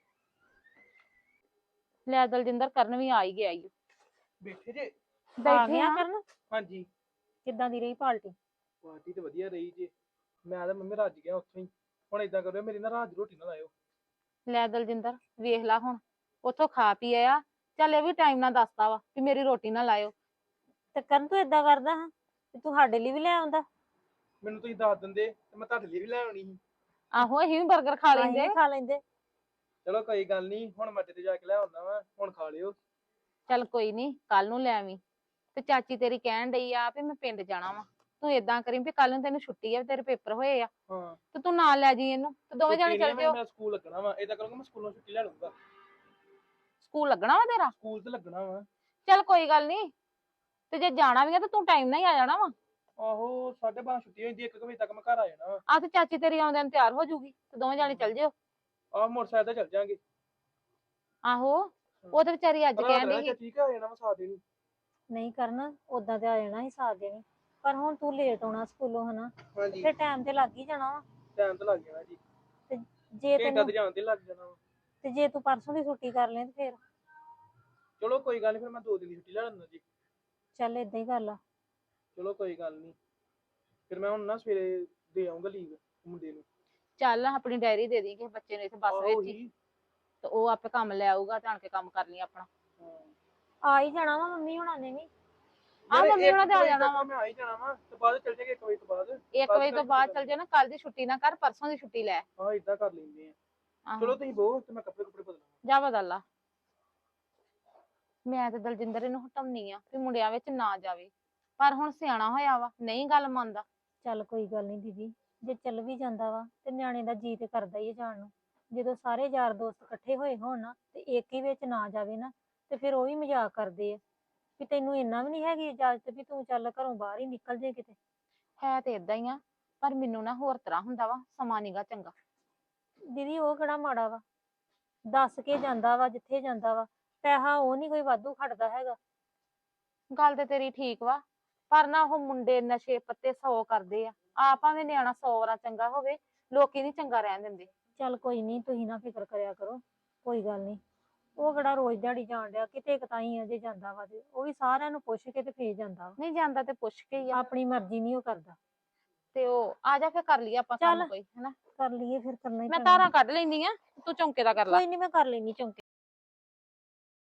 [SPEAKER 6] ਲੈ ਦਲਜਿੰਦਰ ਕਰਨ ਵੀ ਆ ਹੀ ਗਿਆ ਈ।
[SPEAKER 2] ਬੈਠੇ ਜੇ?
[SPEAKER 3] ਆ
[SPEAKER 6] ਬੈਠੇ
[SPEAKER 3] ਗਿਆ
[SPEAKER 6] ਆ।
[SPEAKER 3] ਕਰਨ?
[SPEAKER 2] ਹਾਂਜੀ।
[SPEAKER 3] ਕਿੱਦਾਂ ਦੀ ਰਹੀ ਪਾਰਟੀ?
[SPEAKER 2] ਪਾਰਟੀ ਤੇ ਵਧੀਆ ਰਹੀ ਜੇ। ਮੈਂ ਤਾਂ ਮੰਮੀ ਰੱਜ ਗਿਆ ਉੱਥੋਂ ਹੀ। ਹੁਣ ਏਦਾਂ ਕਰਿਓ, ਮੇਰੀ ਨਾ ਰਾਤ ਦੀ ਰੋਟੀ ਨਾ ਲਾਇਓ।
[SPEAKER 6] ਲੈ ਦਲਜਿੰਦਰ ਵੇਖ ਲਾ ਹੁਣ, ਉੱਥੋਂ ਖਾ ਪੀ ਆਇਆ, ਚੱਲ ਇਹ ਵੀ ਟਾਈਮ ਨਾਲ ਦੱਸਦਾ ਵਾ ਵੀ ਮੇਰੀ ਰੋਟੀ ਨਾ ਲਾਇਓ।
[SPEAKER 3] ਤੇ ਕਰਨ ਤੂੰ ਏਦਾਂ ਕਰਦਾ ਹਾਂ ਤੇ ਤੂੰ ਸਾਡੇ ਲਈ ਵੀ ਲੈ ਆਉਂਦਾ।
[SPEAKER 2] ਮੈਨੂੰ ਤੁਸੀਂ ਦੱਸ ਦਿੰਦੇ ਤੇ ਮੈਂ ਤੁਹਾਡੇ ਲਈ ਵੀ ਲੈ ਆਉਣੀ ਸੀ।
[SPEAKER 6] ਆਹੋ ਅਸੀਂ ਵੀ 버ਗਰ ਖਾ
[SPEAKER 3] ਅਸੀਂ
[SPEAKER 6] ਲੈਂਦੇ।
[SPEAKER 3] ਵੀ ਖਾ ਲੈਂਦੇ।
[SPEAKER 2] ਚਲੋ ਕੋਈ ਗੱਲ ਨਹੀਂ, ਹੁਣ ਮੈਂ ਅੱਡੇ ਤੇ ਜਾ ਕੇ ਲੈ ਆਉਂਦਾ ਵਾ, ਹੁਣ ਖਾ ਲਿਓ।
[SPEAKER 6] ਚੱਲ ਕੋਈ ਨਹੀਂ, ਕੱਲ ਨੂੰ ਲੈ ਆਵੀਂ। ਤੇ ਚਾਚੀ ਤੇਰੀ ਕਹਿਣ ਡਈ ਆ ਵੀ ਮੈਂ ਪਿੰਡ ਜਾਣਾ ਵਾ, ਤੂੰ ਏਦਾਂ ਕਰੀ ਵੀ ਕੱਲ ਨੂੰ ਤੈਨੂੰ ਛੁੱਟੀ ਆ, ਤੇਰੇ ਪੇਪਰ ਹੋਏ ਆ,
[SPEAKER 2] ਹਾਂ
[SPEAKER 6] ਤੇ ਤੂੰ ਨਾਲ ਲੈ ਜੀ ਇਹਨੂੰ ਤੇ ਦੋਵੇਂ ਜਾਣੇ
[SPEAKER 2] ਛੁੱਟੀ
[SPEAKER 6] ਚੱਲ
[SPEAKER 2] ਨੀ ਆ,
[SPEAKER 6] ਜਿਓ।
[SPEAKER 2] ਮੈਂ ਸਕੂਲ ਲੱਗਣਾ ਵਾ। ਏਦਾਂ ਕਰੂੰਗਾ, ਮੈਂ ਸਕੂਲੋਂ ਛੁੱਟੀ ਲੈ ਲਊਂਗਾ।
[SPEAKER 6] ਸਕੂਲ ਲੱਗਣਾ ਵਾ ਤੇਰਾ?
[SPEAKER 2] ਸਕੂਲ ਤੇ ਲੱਗਣਾ ਵਾ।
[SPEAKER 6] ਚੱਲ ਕੋਈ ਗੱਲ ਨਹੀਂ, ਤੇ ਜੇ ਜਾਣਾ ਵੀ ਆ ਤਾਂ ਤੂੰ ਟਾਈਮ ਨਾਲ ਹੀ ਆ ਜਾਣਾ ਵਾ।
[SPEAKER 2] ਆਹੋ 12:30 ਛੁੱਟੀ ਹੋ ਜਾਂਦੀ, 1 ਵਜੇ ਤੱਕ ਮੈਂ ਘਰ ਆ ਜਾਣਾ ਵਾ।
[SPEAKER 6] ਆ ਤੇ ਚਾਚੀ ਤੇਰੀ ਆਉਂਦਿਆਂ ਨੂੰ ਤਿਆਰ ਹੋ ਜਾਊਗੀ ਤੇ ਦੋਵੇਂ ਜਾਣੇ ਚੱਲ ਜਿਓ।
[SPEAKER 2] ਆਹ ਮੋਟਰਸਾਈਕਲ ਤੇ ਚੱਲ ਜਾਾਂਗੇ।
[SPEAKER 6] ਆਹੋ ਉਹ ਤੇ ਵਿਚਾਰੀ ਅੱਜ ਕਹਿਣ ਡਈ ਸੀ।
[SPEAKER 2] ਠੀਕ ਆ ਜਾਣਾ ਵਾ ਸਾਥ ਦੇਣੀ।
[SPEAKER 3] ਨਹੀਂ ਕਰਨ, ਉਦਾਂ ਤੇ ਆ ਜਾਣਾ ਹੀ ਸਾਥ ਦੇਣੀ, ਪਰ ਹੁਣ ਤੂੰ ਲੇਟ ਆਉਣਾ ਸਕੂਲੋਂ ਹਨਾ,
[SPEAKER 2] ਹਾਂਜੀ
[SPEAKER 3] ਫਿਰ ਟਾਈਮ ਤੇ ਲੱਗ ਹੀ ਜਾਣਾ ਵਾ।
[SPEAKER 2] ਟਾਈਮ ਤਾਂ ਲੱਗ ਜਾਣਾ ਜੀ।
[SPEAKER 3] ਜੇ
[SPEAKER 2] ਘੰਟਾ
[SPEAKER 3] ਤੈਨੂੰ
[SPEAKER 2] ਤੇ ਜਾਣ ਤੇ ਲੱਗ ਜਾਣਾ ਵਾ।
[SPEAKER 3] ਤੇ ਜੇ ਤੂੰ ਪਰਸੋਂ ਦੀ ਛੁੱਟੀ ਕਰ ਲੈ ਤੇ ਫਿਰ
[SPEAKER 2] ਚਲੋ ਕੋਈ ਗੱਲ ਨਹੀਂ, ਫਿਰ ਮੈਂ 2 ਦਿਨ ਦੀ ਛੁੱਟੀ ਲੈ ਲੈਂਦਾ ਜੀ।
[SPEAKER 3] ਚੱਲ ਏਦਾਂ ਹੀ ਕਰ ਲਾ।
[SPEAKER 2] ਚਲੋ ਕੋਈ ਗੱਲ ਨਹੀਂ, ਫਿਰ ਮੈਂ ਹੁਣ ਨਾ ਸਵੇਰੇ ਦੇ ਆਉਂਗਾ ਲੀਵ ਮੁੰਡੇ ਨੂੰ।
[SPEAKER 6] ਚੱਲ ਆਪਣੀ ਡਾਇਰੀ ਦੇ ਦੀ ਕਿਸੇ ਬੱਚੇ ਨੂੰ ਇੱਥੇ ਬੱਸ
[SPEAKER 2] ਆਹੋ
[SPEAKER 6] ਵਿੱਚ ਹੀ,
[SPEAKER 2] ਹੀ।
[SPEAKER 6] ਤੇ ਉਹ ਆਪੇ ਕੰਮ ਲੈ ਆਊਗਾ, ਜਾਣ ਕੇ ਕੰਮ ਕਰ ਲਈ ਆਪਣਾ।
[SPEAKER 2] ਹਾਂ।
[SPEAKER 3] ਆ ਹੀ ਜਾਣਾ ਵਾ ਮੰਮੀ ਹੁਣਾਂ ਨੇ ਵੀ।
[SPEAKER 6] ਆਹ
[SPEAKER 2] ਯਾਰ
[SPEAKER 6] ਮੰਮੀ
[SPEAKER 2] ਇੱਕ
[SPEAKER 6] ਹੁਣਾਂ ਦੇ ਆ
[SPEAKER 2] ਵਜੇ
[SPEAKER 6] ਜਾਣਾ
[SPEAKER 2] ਤੱਕ
[SPEAKER 6] ਵਾ।
[SPEAKER 2] ਮੈਂ ਆ ਹੀ ਜਾਣਾ ਵਾ, ਤੇ ਬਾਅਦ ਚੱਲ ਜਾਗੇ 1 ਵਜੇ ਤੋਂ ਬਾਅਦ।
[SPEAKER 6] 1 ਵਜੇ ਤੋਂ ਬਾਅਦ ਚੱਲ ਜਾ ਨਾ, ਕੱਲ ਦੀ ਛੁੱਟੀ ਨਾ ਕਰ, ਪਰਸੋਂ ਦੀ ਛੁੱਟੀ ਲੈ।
[SPEAKER 2] ਹਾਂ ਇਦਾਂ ਕਰ ਲੈਂਦੇ ਆ।
[SPEAKER 6] ਆਹੋ,
[SPEAKER 2] ਚਲੋ ਤੁਸੀਂ ਬਹੁ ਤੇ ਮੈਂ ਕੱਪੜੇ ਬਦਲਾਂ।
[SPEAKER 6] ਜਾ ਬਦਲ ਲਾ। ਮੈਂ ਤੇ ਦਲਜਿੰਦਰ ਇਹਨੂੰ ਹਟਾਉਣੀ ਆ ਵੀ ਮੁੰਡਿਆਂ ਵਿੱਚ ਨਾ ਜਾਵੇ, ਪਰ ਹੁਣ ਸਿਆਣਾ ਹੋਇਆ ਵਾ, ਨਹੀਂ ਗੱਲ ਮੰਨਦਾ।
[SPEAKER 3] ਚੱਲ ਕੋਈ ਗੱਲ ਨਹੀਂ ਦੀਦੀ, ਜੇ ਚੱਲ ਵੀ ਜਾਂਦਾ ਵਾ ਤੇ ਨਿਆਣੇ ਦਾ ਜੀ ਤੇ ਕਰਦਾ ਹੀ ਹੈ ਜਾਣ ਨੂੰ। ਜਦੋਂ ਸਾਰੇ ਯਾਰ ਦੋਸਤ ਇਕੱਠੇ ਹੋਏ ਹੋਣ ਨਾ ਤੇ ਇੱਕ ਹੀ ਵਿੱਚ ਨਾ ਜਾਵੇ ਨਾ, ਤੇ ਫਿਰ ਉਹ ਵੀ ਮਜ਼ਾਕ ਕਰਦੇ ਆ ਵੀ ਤੈਨੂੰ ਇੰਨਾ ਵੀ ਨਹੀਂ ਹੈਗੀ ਇਜਾਜ਼ਤ ਵੀ ਤੂੰ ਚੱਲ ਘਰੋਂ ਬਾਹਰ ਹੀ ਨਿਕਲ ਜੇ ਕਿਤੇ।
[SPEAKER 6] ਹੈ ਤੇ ਏਦਾਂ ਹੀ ਆ, ਪਰ ਮੈਨੂੰ ਨਾ ਹੋਰ ਤਰ੍ਹਾਂ ਹੁੰਦਾ ਵਾ, ਸਮਾਂ ਨੀਗਾ ਚੰਗਾ।
[SPEAKER 3] ਦੀਦੀ ਉਹ ਕਿਹੜਾ ਮਾੜਾ ਵਾ, ਦੱਸ ਕੇ ਜਾਂਦਾ ਵਾ ਜਿੱਥੇ ਜਾਂਦਾ ਵਾ, ਪੈਸਾ ਉਹ ਨਹੀਂ ਕੋਈ ਵਾਧੂ ਖੜਦਾ ਹੈਗਾ।
[SPEAKER 6] ਗੱਲ ਤੇ ਤੇਰੀ ਠੀਕ ਵਾ, ਪਰ ਨਾ ਉਹ ਮੁੰਡੇ ਨਸ਼ੇ ਪੱਤੇ 100 ਕਰਦੇ ਆ, ਆਪ ਭਾਵੇਂ ਨਿਆਣਾ 100 ਵਾਰਾਂ ਚੰਗਾ ਹੋਵੇ, ਲੋਕੀ ਨੀ ਚੰਗਾ ਰਹਿਣ ਦਿੰਦੇ।
[SPEAKER 3] ਚੱਲ ਕੋਈ ਨਹੀਂ, ਤੁਸੀਂ ਨਾ ਫਿਕਰ ਕਰਿਆ ਕਰੋ, ਕੋਈ ਗੱਲ ਨਹੀਂ। ਉਹ ਕਿਹੜਾ ਰੋਜ਼ ਦਿਹਾੜੀ ਜਾਣ ਡਿਆ, ਕਿਤੇ ਕਤਾਈ ਆ ਜੇ ਜਾਂਦਾ ਵਾ ਤੇ ਉਹ ਵੀ ਸਾਰਿਆਂ ਨੂੰ ਪੁੱਛ ਕੇ ਤੇ ਫੇਰ ਜਾਂਦਾ ਵਾ।
[SPEAKER 6] ਨਹੀਂ ਜਾਂਦਾ ਤੇ ਪੁੱਛ ਕੇ ਹੀ ਆ।
[SPEAKER 3] ਆਪਣੀ ਮਰਜ਼ੀ ਨਹੀਂ ਉਹ ਕਰਦਾ।
[SPEAKER 6] ਤੇ ਉਹ ਆ ਜਾ ਫਿਰ ਕਰ ਲਈਏ ਆਪਾਂ ਕੰਮ
[SPEAKER 3] ਚੱਲ।
[SPEAKER 6] ਕੋਈ ਹਨਾ।
[SPEAKER 3] ਕਰ ਲਈਏ ਫਿਰ, ਕਰਨਾ ਹੀ
[SPEAKER 6] ਮੈਂ
[SPEAKER 3] ਪੈਣਾ।
[SPEAKER 6] ਧਾਰਾਂ ਕੱਢ ਲੈਂਦੀ ਆ, ਤੂੰ ਚੌਂਕੇ ਦਾ ਕਰ ਲੈ।
[SPEAKER 3] ਕੋਈ ਨਹੀਂ, ਮੈਂ ਕਰ ਲੈਣੀ ਚੌਂਕੇ।